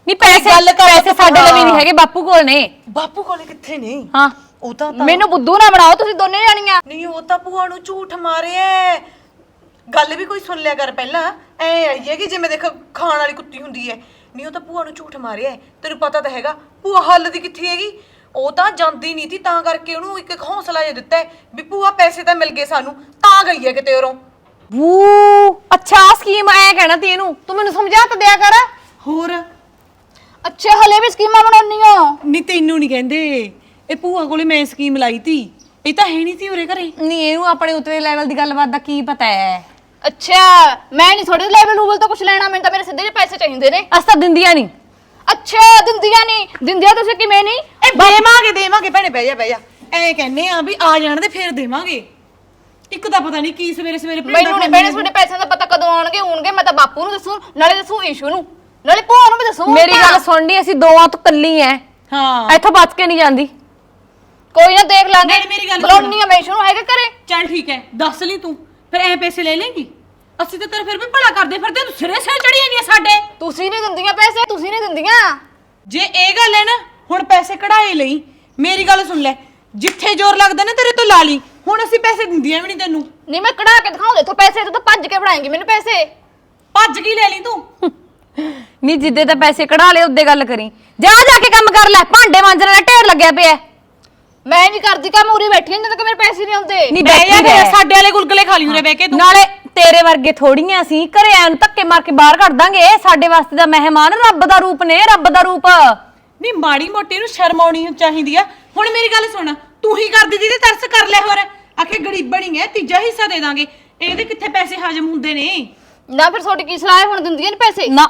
Speaker 6: ਨਹੀਂ ਪੈਸੇ
Speaker 2: ਗੱਲ ਕਰ
Speaker 6: ਪੈਸੇ ਸਾਡੇ ਲਈ ਨਹੀਂ ਹੈਗੇ, ਬਾਪੂ ਕੋਲ ਨੇ।
Speaker 2: ਬਾਪੂ ਕੋਲੇ ਕਿੱਥੇ ਨੇ?
Speaker 6: ਹਾਂ
Speaker 2: ਉਹ ਤਾਂ
Speaker 1: ਮੈਨੂੰ ਬੁੱਧੂ ਨਾ ਬਣਾਓ ਤੁਸੀਂ ਦੋਨੇ ਜਾਣੀਆਂ।
Speaker 2: ਨਹੀਂ ਉਹ ਤਾਂ ਭੂਆ ਨੂੰ ਝੂਠ ਮਾਰਿਆ। ਗੱਲ ਵੀ ਕੋਈ ਸੁਣ ਲਿਆ ਕਰ ਪਹਿਲਾਂ। ਐ ਆਈ ਹੈ ਕਿ ਜਿਵੇਂ ਦੇਖ ਖਾਣ ਵਾਲੀ ਕੁੱਤੀ ਹੁੰਦੀ ਹੈ। ਨਹੀਂ ਉਹ ਤਾਂ ਭੂਆ ਨੂੰ ਝੂਠ ਮਾਰਿਆ। ਤੈਨੂੰ ਪਤਾ ਤਾਂ ਹੈਗਾ ਭੂਆ ਹੱਲ ਦੀ ਕਿੱਥੇ ਹੈਗੀ। ਉਹ ਤਾਂ ਜਾਂਦੀ ਨਹੀਂ ਸੀ, ਤਾਂ ਕਰਕੇ ਉਹਨੂੰ ਇੱਕ ਹੌਸਲਾ ਜਿਹਾ ਦਿੱਤਾ ਹੈ ਵੀ ਭੂਆ ਪੈਸੇ ਤਾਂ ਮਿਲ ਗਏ ਸਾਨੂੰ, ਤਾਂ ਗਈ ਹੈ ਕਿਤੇ ਉਰੋਂ।
Speaker 6: ਵੂ ਅੱਛਾ ਸਕੀਮ ਐ ਕਹਿਣਾ ਤੀ ਇਹਨੂੰ, ਤੂੰ ਮੈਨੂੰ ਸਮਝਾ ਤਾਂ ਦਿਆ ਕਰ।
Speaker 2: ਹੋਰ
Speaker 1: ਅੱਛਾ ਹਲੇ ਵੀ ਸਕੀਮਾਂ ਬਣਾਉਣੀਆਂ?
Speaker 2: ਨਹੀਂ ਤੈਨੂੰ ਨਹੀਂ ਕਹਿੰਦੇ, ਇਹ ਭੂਆ ਕੋਲੇ ਮੈਂ ਸਕੀਮ ਲਾਈ ਤੀ। ਇਹ ਤਾਂ ਹੈ ਨਹੀਂ ਸੀ ਉਰੇ ਘਰੇ।
Speaker 6: ਨਹੀਂ ਇਹਨੂੰ ਆਪਣੇ ਉਤਲੇ ਲੈਵਲ ਦੀ ਗੱਲਬਾਤ ਦਾ ਕੀ ਪਤਾ ਹੈ।
Speaker 1: ਅੱਛਾ ਮੈਂ ਨਹੀਂ ਥੋੜੇ ਲੈਵਲ ਲੂਵਲ ਤੋਂ ਕੁਝ ਲੈਣਾ, ਮੈਨੂੰ ਤਾਂ ਮੇਰੇ ਸਿੱਧੇ ਜਿਹੇ ਪੈਸੇ ਚਾਹੀਦੇ ਨੇ।
Speaker 6: ਅਸ ਤਾਂ ਦਿੰਦੀਆਂ ਨਹੀਂ।
Speaker 1: ਅੱਛਾ ਦਿੰਦੀਆਂ ਨਹੀਂ? ਦਿੰਦੀਆਂ ਤੁਸੀਂ ਕਿਵੇਂ ਨਹੀਂ?
Speaker 2: ਇਹ ਦੇਵਾਂਗੇ ਦੇਵਾਂਗੇ ਭੈਣੇ, ਬਹਿ ਜਾ ਬਹਿ ਜਾ। ਐ ਕਹਿੰਨੇ ਆ ਵੀ ਆ ਜਾਣ ਦੇ ਫੇਰ ਦੇਵਾਂਗੇ। ਇੱਕ ਤਾਂ ਪਤਾ ਨਹੀਂ ਕੀ ਸਵੇਰੇ ਸਵੇਰੇ
Speaker 1: ਮੈਨੂੰ ਨਹੀਂ ਬਹਿਣੇ ਤੁਹਾਡੇ ਪੈਸਿਆਂ ਦਾ ਪਤਾ ਕਦੋਂ ਆਉਣਗੇ। ਹੋਣਗੇ ਮੈਂ ਤਾਂ ਬਾਪੂ ਨੂੰ ਦੱਸੂ, ਨਾਲੇ ਦੱਸੂ ਈਸ਼ੂ ਨੂੰ, ਨਾਲੇ ਭੂਆ ਨੂੰ ਵੀ ਦੱਸੂ।
Speaker 6: ਮੇਰੀ ਗੱਲ ਸੁਣਨੀ, ਅਸੀਂ ਦੋਵਾਂ ਤੋਂ ਕੱਲੀ ਐ,
Speaker 2: ਹਾਂ
Speaker 6: ਇੱਥੋਂ ਬਚ ਕੇ ਨਹੀਂ ਜਾਂਦੀ।
Speaker 1: ਕੋਈ ਨਾ ਦੇਖ ਲਾਂਗੇ।
Speaker 2: ਨਾਲੇ ਮੇਰੀ ਗੱਲ
Speaker 1: ਬੁਲਾਉਣੀ ਆ ਮੈਂ ਈਸ਼ੂ ਨੂੰ, ਹੈਗੇ ਘਰੇ?
Speaker 2: ਚੱਲ ਠੀਕ ਹੈ, ਦੱਸ ਲਈ ਤੂੰ ਫਿਰ ਐ ਪੈਸੇ ਲੈ ਲੇਂਗੀ। ਅਸੀਂ ਤਾਂ ਤੇਰਾ ਫਿਰ ਵੀ ਭਲਾ ਕਰਦੇ ਫਿਰਦੇ, ਤੂੰ ਸਿਰੇ ਸਿਰ ਚੜੀ ਜਾਂਦੀ ਆ ਸਾਡੇ।
Speaker 1: ਤੁਸੀਂ ਨਹੀਂ ਦਿੰਦੀਆਂ ਪੈਸੇ, ਤੁਸੀਂ ਨਹੀਂ ਦਿੰਦੀਆਂ।
Speaker 2: ਜੇ ਇਹ ਗੱਲ ਹੈ ਨਾ, ਹੁਣ ਪੈਸੇ ਕਢਾਏ ਲਈ। ਮੇਰੀ ਗੱਲ ਸੁਣ ਲੈ, ਜਿੱਥੇ ਜ਼ੋਰ ਲੱਗਦਾ ਨਾ ਤੇਰੇ ਤੋਂ ਲਾ ਲਈ। ਹੁਣ ਅਸੀਂ ਪੈਸੇ ਦਿੰਦੀਆਂ ਵੀ ਨਹੀਂ ਤੈਨੂੰ।
Speaker 1: ਨਹੀਂ ਮੈਂ ਕਢਾ ਕੇ ਦਿਖਾਉਂ ਦੇਖੋ ਪੈਸੇ, ਤੂੰ ਤਾਂ ਭੱਜ ਕੇ ਬਣਾਏਂਗੀ ਮੈਨੂੰ ਪੈਸੇ।
Speaker 2: ਭੱਜ ਕੀ ਲੈ ਲਈ ਤੂੰ?
Speaker 6: ਨਹੀਂ ਜਿੱਦੇ ਤਾਂ ਪੈਸੇ ਕਢਾ ਲਏ ਉੱਦੇ ਗੱਲ ਕਰੀ। ਜਾ ਜਾ ਕੇ ਕੰਮ ਕਰ ਲੈ, ਭਾਂਡੇ ਮਾਂਜਣ ਦਾ ਢੇਰ ਲੱਗਿਆ ਪਿਆ।
Speaker 1: ਮੈਂ ਨਹੀਂ ਕਰਦੀ ਕੰਮ, ਉਰੀ ਬੈਠੀ ਹਾਂ ਜਦੋਂ ਤੱਕ ਮੇਰੇ ਪੈਸੇ ਨਹੀਂ ਆਉਂਦੇ।
Speaker 6: ਨਹੀਂ
Speaker 2: ਬਹਿ ਜਾ
Speaker 6: ਬੈਠੀ
Speaker 2: ਫਿਰ,
Speaker 6: ਰਹਿ।
Speaker 2: ਸਾਡੇ ਵਾਲੇ ਗੁਲਗਲੇ ਖਾ ਲਈ ਉਰੇ ਬਹਿ ਕੇ ਤੂੰ।
Speaker 6: ਨਾਲੇ ਤੇਰੇ ਵਰਗੇ ਥੋੜੀਆਂ ਸੀ, ਘਰੇ ਆਣ ਨੂੰ ਧੱਕੇ ਮਾਰ ਕੇ ਬਾਹਰ ਕੱਢ ਦਾਂਗੇ। ਇਹ ਸਾਡੇ ਵਾਸਤੇ ਦਾ ਮਹਿਮਾਨ ਰੱਬ ਦਾ ਰੂਪ ਨੇ, ਰੱਬ ਦਾ ਰੂਪ।
Speaker 2: ਨਹੀਂ ਮਾੜੀ ਮੋਟੀ ਨੂੰ ਸ਼ਰਮ ਆਉਣੀ ਚਾਹੀਦੀ ਆ। ਹੁਣ ਮੇਰੀ ਗੱਲ ਸੁਣ, ਤੂੰ ਹੀ ਕਰਦੀ ਜਿਹਦੇ ਤਰਸ ਕਰ ਲੈ। ਹੋਰ ਆਖੇ ਗਰੀਬਣੀ ਹੈ, ਤੀਜਾ ਹਿੱਸਾ ਦੇ ਦਾਂਗੇ। ਇਹਦੇ ਕਿੱਥੇ ਪੈਸੇ ਹਜਮ ਹੁੰਦੇ ਨੇ?
Speaker 1: ਨਾ ਫਿਰ ਤੁਹਾਡੀ ਕੀ ਸਲਾਹ ਹੈ, ਹੁਣ ਦਿੰਦੀਆਂ ਨਹੀਂ ਪੈਸੇ?
Speaker 6: ਨਾ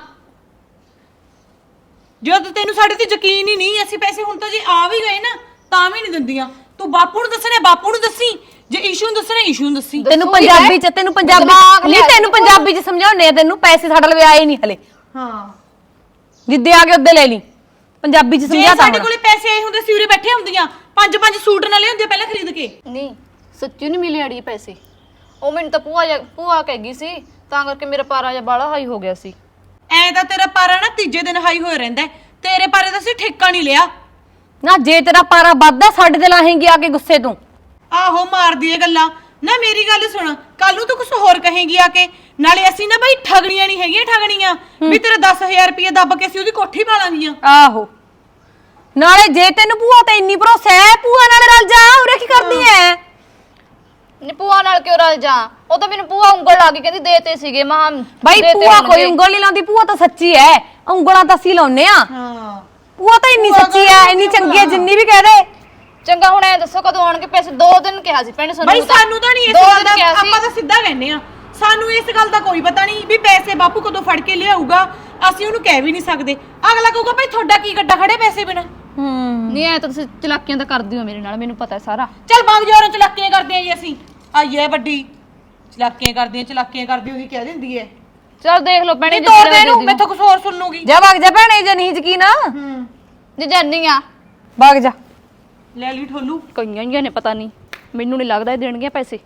Speaker 2: ਜਦੋਂ ਤੈਨੂੰ ਸਾਡੇ ਤੇ ਯਕੀਨ ਹੀ ਨਹੀਂ, ਅਸੀਂ ਪੈਸੇ ਹੁਣ ਤਾਂ ਜੇ ਆ ਵੀ ਗਏ ਨਾ ਤਾਂ ਵੀ ਨਹੀਂ ਦਿੰਦੀਆਂ। ਤੂੰ ਬਾਪੂ ਨੂੰ ਦੱਸਣਾ, ਬਾਪੂ ਨੂੰ ਦੱਸੀ। ਜੇ ਈਸ਼ੂ ਨੂੰ ਦੱਸਣਾ, ਈਸ਼ੂ ਨੂੰ ਦੱਸੀ।
Speaker 6: ਤੈਨੂੰ
Speaker 1: ਦੱਸੂਗੀ
Speaker 6: ਪੰਜਾਬੀ
Speaker 1: ਮੈਂ।
Speaker 6: ਚ ਤੈਨੂੰ ਪੰਜਾਬੀ
Speaker 1: ਦਿਮਾਗ
Speaker 6: ਨਹੀਂ
Speaker 1: ਲਿਆ
Speaker 6: ਤੈਨੂੰ
Speaker 1: ਕੇ
Speaker 6: ਪੰਜਾਬੀ ਚ ਸਮਝਾਉਣੇ ਆ ਤੈਨੂੰ। ਪੈਸੇ ਸਾਡੇ ਲਵੇ ਆਏ ਨਹੀਂ ਹਲੇ,
Speaker 2: ਹਾਂ
Speaker 6: ਜਿੱਦੇ ਆ ਗਏ ਉੱਦੇ ਲੈ ਲਈ। ਪੰਜਾਬੀ ਚ
Speaker 2: ਜੇ
Speaker 6: ਸਮਝਾਤਾ
Speaker 2: ਸਾਡੇ
Speaker 6: ਹੁਣ।
Speaker 2: ਕੋਲੇ ਪੈਸੇ ਆਏ ਹੁੰਦੇ ਸੀ ਉਰੇ ਬੈਠੇ ਹੁੰਦੀਆਂ, ਪੰਜ ਪੰਜ ਸੂਟ ਨਾ ਲਿਆਉਂਦੇ ਪਹਿਲਾਂ ਖਰੀਦ ਕੇ।
Speaker 1: ਨਹੀਂ ਸੱਚੀ ਨਹੀਂ ਮਿਲੇ ਅੜੀ ਪੈਸੇ। ਉਹ ਮੈਨੂੰ ਤਾਂ ਭੂਆ ਜਾ ਭੂਆ ਕਹਿ ਗਈ ਸੀ, ਤਾਂ ਕਰਕੇ ਮੇਰਾ ਪਾਰਾ ਜਿਹਾ ਬਾਲਾ ਹਾਈ ਹੋ ਗਿਆ ਸੀ।
Speaker 2: ਐ ਤਾਂ ਤੇਰਾ ਪਾਰਾ ਨਾ ਤੀਜੇ ਦਿਨ ਹਾਈ ਹੋਇਆ ਰਹਿੰਦਾ ਹੈ। ਤੇਰੇ ਪਾਰੇ ਦਾ ਅਸੀਂ ਠੇਕਾ ਨਹੀਂ ਲਿਆ।
Speaker 6: ਨਾ ਜੇ ਤੇਰਾ ਪਾਰਾ ਵੱਧਦਾ ਸਾਡੇ ਤੇ ਲਾਹੇਂਗੀ ਆ ਕੇ ਗੁੱਸੇ ਤੋਂ।
Speaker 2: ਆਹੋ ਮਾਰਦੀ ਏ ਗੱਲਾਂ ਨਾ। ਮੇਰੀ ਗੱਲ ਸੁਣ, ਕੱਲ ਨੂੰ ਤੂੰ ਕੁਝ ਹੋਰ ਕਹੇਂਗੀ ਆ ਕੇ। ਨਾਲੇ ਅਸੀਂ ਨਾ ਬਈ ਠਗਣੀਆਂ ਨਹੀਂ ਹੈਗੀਆਂ, ਠਗਣੀਆਂ ਵੀ ਤੇਰਾ ਦਸ ਹਜ਼ਾਰ ਰੁਪਏ ਦੱਬ ਕੇ ਅਸੀਂ ਉਹਦੀ ਕੋਠੀ ਪਾ ਲਾਂਗੀਆਂ।
Speaker 6: ਆਹੋ ਨਾਲੇ ਜੇ ਤੈਨੂੰ ਭੂਆ ਤੇ ਇੰਨੀ ਭਰੋਸਾ ਹੈ, ਭੂਆ ਨਾਲ ਰਲ ਜਾ। ਉਰੇ ਕੀ ਕਰਦੀ ਐ?
Speaker 1: ਨੀ ਭੂਆ ਨਾਲ ਕਿਉਂ ਰਲ ਜਾ? ਉਹ ਤਾਂ ਮੈਨੂੰ ਭੂਆ ਉਂਗਲ ਲਾ ਕੇ ਕਹਿੰਦੀ ਦੇਤੇ ਸੀਗੇ। ਮਾਂ
Speaker 6: ਬਾਈ ਭੂਆ ਕੋਈ ਉਂਗਲ ਨਹੀਂ ਲਾਉਂਦੀ, ਭੂਆ ਤਾਂ ਸੱਚੀ ਐ। ਉਂਗਲਾਂ ਤਾਂ ਅਸੀਂ ਲਾਉਨੇ ਆ।
Speaker 2: ਹਾਂ
Speaker 6: ਭੂਆ ਤਾਂ ਇੰਨੀ ਸੱਚੀ ਐ, ਇੰਨੀ ਚੰਗੀ ਐ, ਜਿੰਨੀ ਵੀ ਕਹਿ ਦੇ।
Speaker 1: ਚੰਗਾ ਹੁਣ ਐ ਦੱਸੋ ਕਦੋਂ ਆਉਣਗੇ ਪੈਸੇ? ਦੋ ਦਿਨ ਕਿਹਾ ਸੀ ਭੈਣੇ ਸਾਨੂੰ।
Speaker 2: ਬਈ ਸਾਨੂੰ ਤਾਂ ਨਹੀਂ ਇਸ
Speaker 1: ਦੋ
Speaker 2: ਗੱਲ
Speaker 1: ਦਿਨ
Speaker 2: ਦਾ,
Speaker 1: ਕਿਹਾ ਸੀ।
Speaker 2: ਆਪਾਂ ਤਾਂ ਸਿੱਧਾ ਕਹਿੰਦੇ ਆ। ਸਾਨੂੰ ਇਸ ਗੱਲ ਦਾ ਕੋਈ ਪਤਾ ਨਹੀਂ ਵੀ ਪੈਸੇ ਬਾਪੂ ਕਦੋਂ ਫੜ ਕੇ ਲਿਆਊਗਾ। ਅਸੀਂ ਉਹਨੂੰ ਕਹਿ ਵੀ ਨਹੀਂ ਸਕਦੇ। ਅਗਲਾ ਕਹੂਗਾ ਭਾਈ ਤੁਹਾਡਾ ਕੀ ਗੱਡਾ ਖੜੇ ਪੈਸੇ ਬਿਨਾ।
Speaker 6: ਹੂੰ
Speaker 1: ਨਹੀਂ ਐ ਤਾਂ ਤੁਸੀਂ ਚਲਾਕੀਆਂ ਤਾਂ ਕਰਦੀ ਹੋ ਮੇਰੇ ਨਾਲ, ਮੈਨੂੰ ਪਤਾ ਹੈ ਸਾਰਾ।
Speaker 2: ਚੱਲ ਬੰਗ ਜੋਰਾਂ ਚਲਾਕੀਆਂ ਕਰਦੇ ਆ ਜੀ ਅਸੀਂ। ਆਈਏ ਵੱਡੀ ਚਲਾਕੀਆਂ ਕਰਦੀਆਂ, ਚਲਾਕੀਆਂ ਕਰਦੀ ਉਹੀ ਕਹਿ ਦਿੰਦੀ ਐ।
Speaker 1: ਚਲ ਦੇਖ ਲਓ ਭੈਣੇ,
Speaker 2: ਨਹੀਂ ਤੋੜ ਦੇ ਇਹਨੂੰ, ਮੈਥੋਂ ਕੁਝ ਹੋਰ ਸੁਣ ਲੂਗੀ।
Speaker 6: ਜਾ ਵਗ ਜਾ ਭੈਣੇ, ਜੇ ਨਹੀਂ ਯਕੀਨ ਆ
Speaker 2: ਹੂੰ
Speaker 1: ਜੇ ਜਾਨੀ ਆ
Speaker 6: ਵਗ ਜਾ।
Speaker 2: ਲੈ ਲਈ ਠੋਲੂ।
Speaker 1: ਕਈਆਂ ਹੀ ਨੇ, ਪਤਾ ਨਹੀਂ, ਮੈਨੂੰ ਨਹੀਂ ਲੱਗਦਾ ਇਹ ਦੇਣਗੇ ਪੈਸੇ।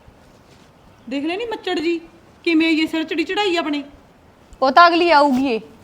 Speaker 2: ਦੇਖ ਲੈ ਨੀ ਮੱਚੜ ਜੀ ਕਿਵੇਂ ਇਹ ਸਿਰ ਚੜੀ ਚੜਾਈ ਆਪਣੇ।
Speaker 6: ਉਹ ਤਾਂ ਅਗਲੀ ਆਊਗੀ ਏ।